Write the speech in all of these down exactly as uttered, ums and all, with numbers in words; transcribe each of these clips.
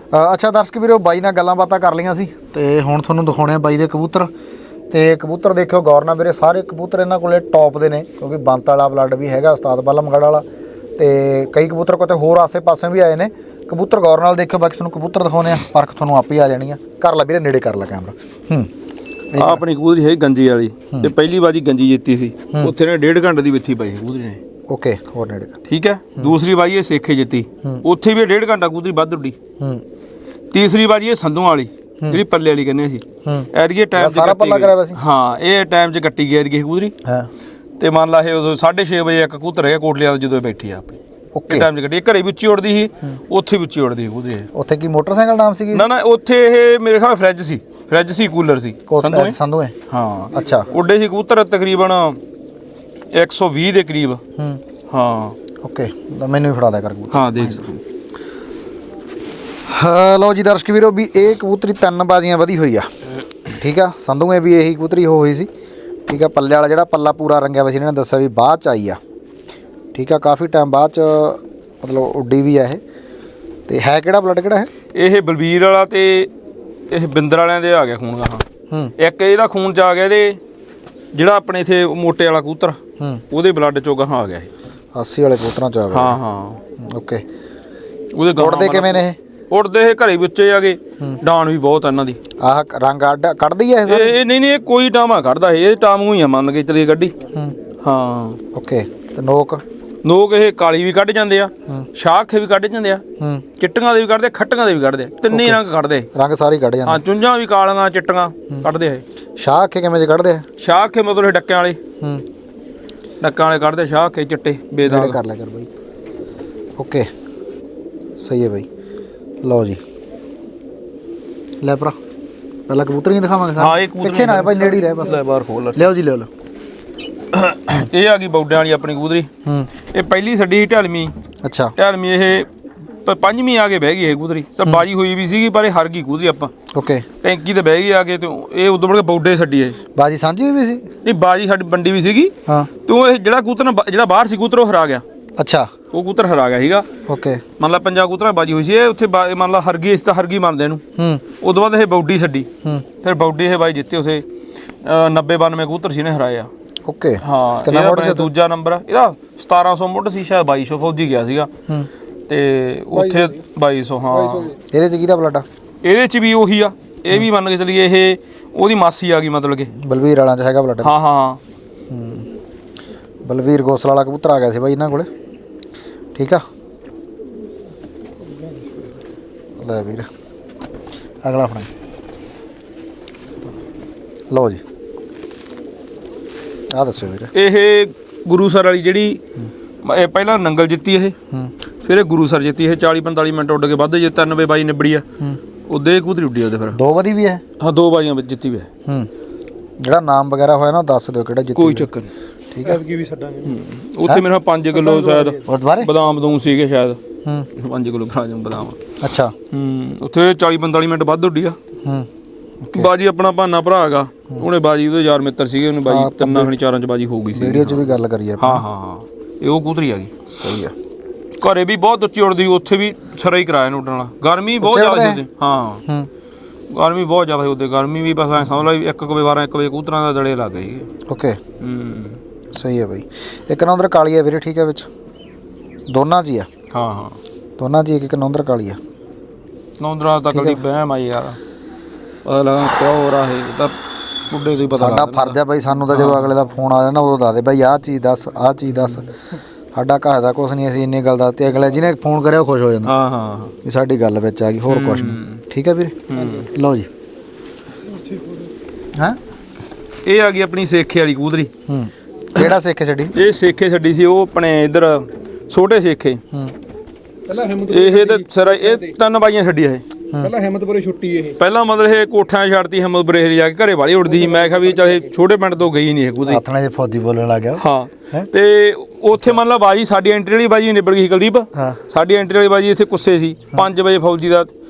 अच्छा दर्शक वीरो बाई नाल गल्लां बातां कर लियां सी ते हुण तुहानूं दिखाउणे आ बाई दे कबूतर। ते कबूतर देखियो गौर नाल वीरे, सारे कबूतर इन्हां कोले टॉप दे ने क्योंकि बंत वाला ब्लड भी हैगा उस्ताद बलमगढ़ वाला ते कई कबूतर किते होर आसे पासे भी आए ने कबूतर। गौर नाल देखियो, बाकी तुहानूं कबूतर दिखाउने आ, परख तुहानूं आपे ही आ जानी आ। कर ला वीरे, नेड़े कर ला कैमरा। हूँ आ अपनी कबूतरी है गंजी वाली ते पहली बाजी गंजी जीती सी, उत्थे ने डेढ़ घंटे दी बिथी पाई कबूतरी ने। ओके, होर नेड़े ठीक है। दूसरी बाजी ये सेखे जित्ती, उत्थे भी डेढ़ घंटा कबूतरी वध उड्डी। तीसरी बाजी ये संधू वाली ਜਿਹੜੀ ਪੱਲੇ ਵਾਲੀ ਕਹਿੰਦੇ ਸੀ, ਐਰੀਏ ਟਾਈਮ ਸਾਰਾ ਪੱਲਾ ਕਰਿਆ ਵੈਸੇ। ਹਾਂ, ਇਹ ਟਾਈਮ 'ਚ ਕੱਟੀ ਗਈ ਐਰੀਏ ਕਬੂਤਰੀ। ਹਾਂ, ਤੇ ਮੰਨ ਲਾ ਇਹ ਉਦੋਂ ਸਾਢੇ ਛੇ ਵਜੇ ਇੱਕ ਕਬੂਤਰ ਹੈਗਾ ਕੋਟਲੀਆਂ ਤੋਂ ਜਦੋਂ ਬੈਠੀ ਆ ਆਪਣੀ। ਓਕੇ, ਟਾਈਮ 'ਚ ਕੱਟੀ, ਘਰੇ ਵੀ ਉੱਚੀ ਉੜਦੀ ਸੀ, ਉੱਥੇ ਵੀ ਉੱਚੀ ਉੜਦੀ ਸੀ ਕਬੂਤਰੀ। ਉੱਥੇ ਕੀ ਮੋਟਰਸਾਈਕਲ ਨਾਮ ਸੀਗੀ? ਨਾ ਨਾ, ਉੱਥੇ ਇਹ ਮੇਰੇ ਖਿਆਲ ਫਰਿੱਜ ਸੀ, ਫਰਿੱਜ ਸੀ, ਕੂਲਰ ਸੀ। ਸੰਧੂਏ ਸੰਧੂਏ ਹਾਂ। ਅੱਛਾ, ਉੱਡੇ ਸੀ ਕਬੂਤਰ ਤਕਰੀਬਨ ਇੱਕ ਸੌ ਵੀਹ ਦੇ ਕਰੀਬ। ਹਾਂ ਓਕੇ, ਮੈਨੂੰ ਵੀ ਫੜਾ ਦਿਆ ਕਰ ਕਬੂਤਰ। ਹਾਂ ਦੇਖ ਸਕਦੇ। लो जी दर्शक वीरो भी ये कबूतरी तीन बाजियां वधी हुई आ। ठीक है, संधूए भी यही कबूतरी हो हुई सी। ठीक है, पल्ले वाला जिहड़ा पल्ला पूरा रंगिया वैसे इन्होंने दस्सिया भी बाद च आई आ। ठीक है, काफ़ी टाइम बाद च मतलब उड्डी भी है। ते है किहड़ा ब्लड किहड़ा है? ਇਹ ਬਲਬੀਰ ਵਾਲਾ ਤੇ ਇਹ ਬਿੰਦਰ ਵਾਲਿਆਂ ਦੇ ਆ ਗਿਆ ਖੂਨ ਗਾਹਾਂ। ਹੂੰ, ਇੱਕ ਇਹਦਾ ਖੂਨ ਚ ਆ ਗਿਆ ਇਹਦੇ ਜਿਹੜਾ ਆਪਣੇ ਇਥੇ ਮੋਟੇ ਵਾਲਾ ਕਬੂਤਰ, ਹੂੰ, ਉਹਦੇ ਬਲੱਡ ਚੋਂ ਗਾਹਾਂ ਆ ਗਿਆ ਇਹ। अस्सी वाले कबूतरां च आ गया। ਹਾਂ ਹਾਂ, ओके। ਉਹਦੇ ਗਾਹਾਂ उड़दे किवें ने? उड़ते ये घरे बच्चे आ गए, डान भी बहुत है इन्हां दी। आह रंग अड्ड कढ़दी है ये ये नहीं नहीं, ये कोई टामा कढ़दा है, ये टामू ही आ मान के चलिए गड्डी। हाँ ओके। ते नोक नोक ये काली भी कढ़ जांदे आ, शाखे भी कढ़ जांदे आ, चिट्टियां दे भी कढ़दे, खट्टियां दे भी कढ़दे, तिन्ने रंग कढ़दे, रंग सारे कढ़ जांदे। हाँ, चुंझां भी कालियां चिट्टियां कढ़दे है। शाखे किवें जे कढ़दे? शाखे मतलब डक्कियां वाले, डक्कियां वाले कढ़दे, शाखे चिट्टे बेदाग। कर लिया कर भाई। ओके, सही है भाई। लो जी ले भरा, पहला कबूतर ही दिखावांगे। हाँ, एक पीछे ना भाई, नेड़ी रहे बस। बाहर खोल लियो जी, लियो लो। ये आ गई बौडे वाली अपनी कबूतरी। ये पहली छड्डी ढलमी। अच्छा, ढलमी ये पंजवीं आ के बह गई है कबूतरी। सब बाजी हुई भी सी पर हर गई कबूतरी आपां। ओके, टैंकी ते बह गई आके, तो ये उदों मुड़ के बौडे छड्डी है। बाजी सांझी हुई भी सी? नहीं, बाजी साडी बंडी भी सीगी। हाँ, तो ये जिहड़ा कबूतर जिहड़ा बाहर सी कबूतर वो हरा गया। अच्छा, वो कबूतर हरा गया सीगा। ओके, मान ला पंजा कबूतर बाजी हुई सी, उत्थे मान ला हर गई, इस तां हर गई मानदे इहनूं। उदों बाद ये बौडी छड्डी, फिर बौडी ये बाई जित्ते उत्थे नब्बे बानवे कबूतर सी ने हराए आ। ओके, हाँ, ਇਹਦਾ ਦੂਜਾ ਨੰਬਰ ਆ ਇਹਦਾ। ਸਤਾਰਾਂ ਸੌ ਮੁੱਢ ਸੀ ਸ਼ਾਇਦ, ਬਾਈ ਸੌ ਫੌਜੀ ਗਿਆ ਸੀਗਾ ਤੇ ਉੱਥੇ ਬਾਈ ਸੌ। ਹਾਂ, ਇਹਦੇ ਚ ਕਿਹਦਾ ਬਲੱਡ ਆ? ਇਹਦੇ ਚ ਵੀ ਉਹੀ ਆ। ਇਹ ਵੀ ਮੰਨ ਕੇ ਚੱਲੀਏ ਇਹ ਉਹਦੀ ਮਾਸੀ ਆ ਗਈ, ਮਤਲਬ ਕਿ ਬਲਵੀਰ ਵਾਲਾਂ ਚ ਹੈਗਾ ਬਲੱਡ। ਹਾਂ ਹਾਂ, ਬਲਵੀਰ ਗੋਸਲ ਵਾਲਾ ਕਬੂਤਰ ਆ ਗਿਆ ਸੀ ਬਾਈ ਇਹਨਾਂ ਕੋਲੇ। ਠੀਕ ਆ, ਲੈ ਵੀਰ ਅਗਲਾ ਫੜਾ ਲਓ ਜੀ। ਆ ਦੱਸੋ ਵੀਰ। ਇਹ ਗੁਰੂਸਰ ਵਾਲੀ ਜਿਹੜੀ ਇਹ ਪਹਿਲਾਂ ਨੰਗਲ ਜਿੱਤੀ, ਇਹ ਫਿਰ ਇਹ ਗੁਰੂਸਰ ਜਿੱਤੀ। ਇਹ ਚਾਲੀ ਪੰਤਾਲੀ ਮਿੰਟ ਉੱਡ ਕੇ ਵੱਧ ਜੇ ਤਿੰਨ ਵੇ ਬਾਈ ਨਿਬੜੀ ਆ। ਉਹਦੇ ਕਬੂਤਰੀ ਉੱਡੀ ਉਹਦੇ ਫਿਰ ਦੋ ਵਧੀ ਵੀ ਹੈ। ਹਾਂ, ਦੋ ਬਾਜੀਆਂ ਵਿੱਚ ਜਿੱਤੀ ਵੀ ਹੈ। ਜਿਹੜਾ ਨਾਮ ਵਗੈਰਾ ਹੋਇਆ ਨਾ ਦੱਸ ਦਿਓ ਕਿਹੜਾ ਜਿੱਤੀ। ਕੋਈ ਚੱਕਰ ਨਹੀਂ। ਠੀਕ ਹੈ, ਵੀ ਛੱਡਾਂਗੇ ਉੱਥੇ ਮੇਰੇ ਪੰਜ ਕਿਲੋ ਸ਼ਾਇਦ ਬਦਾਮ ਬਦੂਮ ਸੀਗੇ ਸ਼ਾਇਦ। ਹੂੰ, ਪੰਜ ਕਿਲੋ ਬਦਾਮ ਬਦਾਮ। ਅੱਛਾ, ਹੂੰ, ਉੱਥੇ ਚਾਲੀ ਪੰਤਾਲੀ ਮਿੰਟ ਵੱਧ ਉੱਡੀ ਆ। ਹੂੰ, ਬਾਜੀ ਆਪਣਾ ਭਾਨਾ ਭਰਾ ਹੈਗਾ, ਉਹਨੇ ਬਾਜੀ ਉਹਦੇ ਯਾਰ ਮਿੱਤਰ ਸੀਗੇ, ਉਹਨੇ ਬਾਜੀ ਤਿੰਨਾਂ ਖਣੀ ਚਾਰਾਂ ਚ ਬਾਜੀ ਹੋ ਗਈ ਸੀ। ਵੀਡੀਓ ਚ ਵੀ ਗੱਲ ਕਰੀ ਆ। ਹਾਂ ਹਾਂ ਹਾਂ, ਇਹ ਉਹ ਕਬੂਤਰੀ ਆ ਗਈ। ਸਹੀ ਆ। ਘਰੇ ਵੀ ਬਹੁਤ ਉੱਚੀ ਉੱਡਦੀ, ਉੱਥੇ ਵੀ ਸਰਾ ਹੀ ਕਰਾਇਆ ਨੂੰ ਉੱਡਣ ਵਾਲਾ। ਗਰਮੀ ਬਹੁਤ ਜ਼ਿਆਦਾ ਸੀ। ਹਾਂ, ਗਰਮੀ ਬਹੁਤ ਜ਼ਿਆਦਾ ਸੀ ਉੱਤੇ। ਗਰਮੀ ਵੀ ਬਸ ਐਂ ਸਮਝ ਲਾ ਇੱਕ ਕੁ ਵਜੇ ਬਾਰਾਂ ਇੱਕ ਵਜੇ ਕਬੂਤਰਾਂ ਦਾ ਦੜੇ ਲੱਗ ਗਏ। ਓਕੇ, ਹੂੰ, ਸਹੀ ਹੈ ਬਾਈ। ਇੱਕ ਨੌਂਦਰ ਕਾਲੀ ਆ ਵੀਰੇ। ਠੀਕ ਹੈ, ਵਿੱਚ ਦੋਨਾਂ 'ਚ ਹੀ ਆ। ਹਾਂ ਹਾਂ, ਦੋਨਾਂ 'ਚ ਇੱਕ ਨੌਂਦਰ ਕਾਲੀ ਆ। ਨੌਂਦਰਾਂ ਤੱਕ ਦੀ ਬਹਿਮ ਆਈ ਯਾਰ, ਪਤਾ ਲੱਗਾ ਕਿਉਂ ਰਾਹੇ ਤਾਂ ਬੁੱਢੇ ਤੋਂ ਹੀ ਪਤਾ। ਸਾਡਾ ਫਰਜ਼ ਆ ਬਾਈ, ਸਾਨੂੰ ਤਾਂ ਜਦੋਂ ਅਗਲੇ ਦਾ ਫੋਨ ਆ ਜਾਂਦਾ ਉਦੋਂ ਦੱਸ ਦੇ ਬਾਈ ਆਹ ਚੀਜ਼ ਦੱਸ, ਆਹ ਚੀਜ਼ ਦੱਸ। ਸਾਡਾ ਘਰ ਦਾ ਕੁਛ ਨਹੀਂ, ਅਸੀਂ ਇੰਨੀ ਗੱਲ ਦੱਸਦੇ, ਅਗਲੇ ਜਿਹਨੇ ਫੋਨ ਕਰਿਆ ਉਹ ਖੁਸ਼ ਹੋ ਜਾਂਦਾ। ਹਾਂ ਹਾਂ, ਵੀ ਸਾਡੀ ਗੱਲ ਵਿੱਚ ਆ ਗਈ, ਹੋਰ ਕੁਛ ਨਹੀਂ। ਠੀਕ ਹੈ ਵੀਰੇ, ਲਓ ਜੀ। ਹਾਂ, ਇਹ ਆ ਗਈ ਆਪਣੀ ਸੇਖੇ ਵਾਲੀ ਕਬੂਤਰੀ। ਹੂੰ, ਕਿਹੜਾ ਸੇਖੇ ਛੱਡੀ? ਇਹ ਸੇਖੇ ਛੱਡੀ ਸੀ ਉਹ ਆਪਣੇ ਇੱਧਰ ਛੋਟੇ ਸੇਖੇ। ਹੂੰ, ਇਹ ਤੇ ਸਰ ਇਹ ਤਿੰਨ ਬਾਈਆਂ ਛੱਡੀ ਇਹ। ਪਹਿਲਾਂ ਹਿੰਮਤਪੁਰੇ ਛੁੱਟੀ ਇਹ। ਪਹਿਲਾਂ ਮਤਲਬ ਇਹ ਕੋਠਿਆਂ ਛੱਡਤੀ ਹਿੰਮਤਪੁਰੇ ਜਾ ਕੇ, ਘਰੇ ਵਾਲੀ ਉੜਦੀ ਸੀ। ਮੈਂ ਕਿਹਾ ਵੀ ਚਾਹੇ ਛੋਟੇ ਪਿੰਡ ਤੋਂ ਗਈ ਨਹੀਂ ਇਹ ਕਬੂਤਰੀ। ਆਥਣੇ ਦੇ ਫੌਜੀ ਬੋਲਣ ਲੱਗ ਗਿਆ। ਹਾਂ, ਤੇ ਉੱਥੇ ਮੰਨ ਲਾ ਬਾਜੀ ਸਾਡੀ ਐਂਟਰੀ ਵਾਲੀ ਬਾਜੀ ਨਿਬੜ ਗਈ ਸੀ ਕੁਲਦੀਪ। ਸਾਡੀ ਐਂਟਰੀ ਵਾਲੀ ਬਾਜੀ ਇੱਥੇ ਕੁੱਸੇ ਸੀ। ਪੰਜ ਵਜੇ ਫੌਜੀ ਦਾ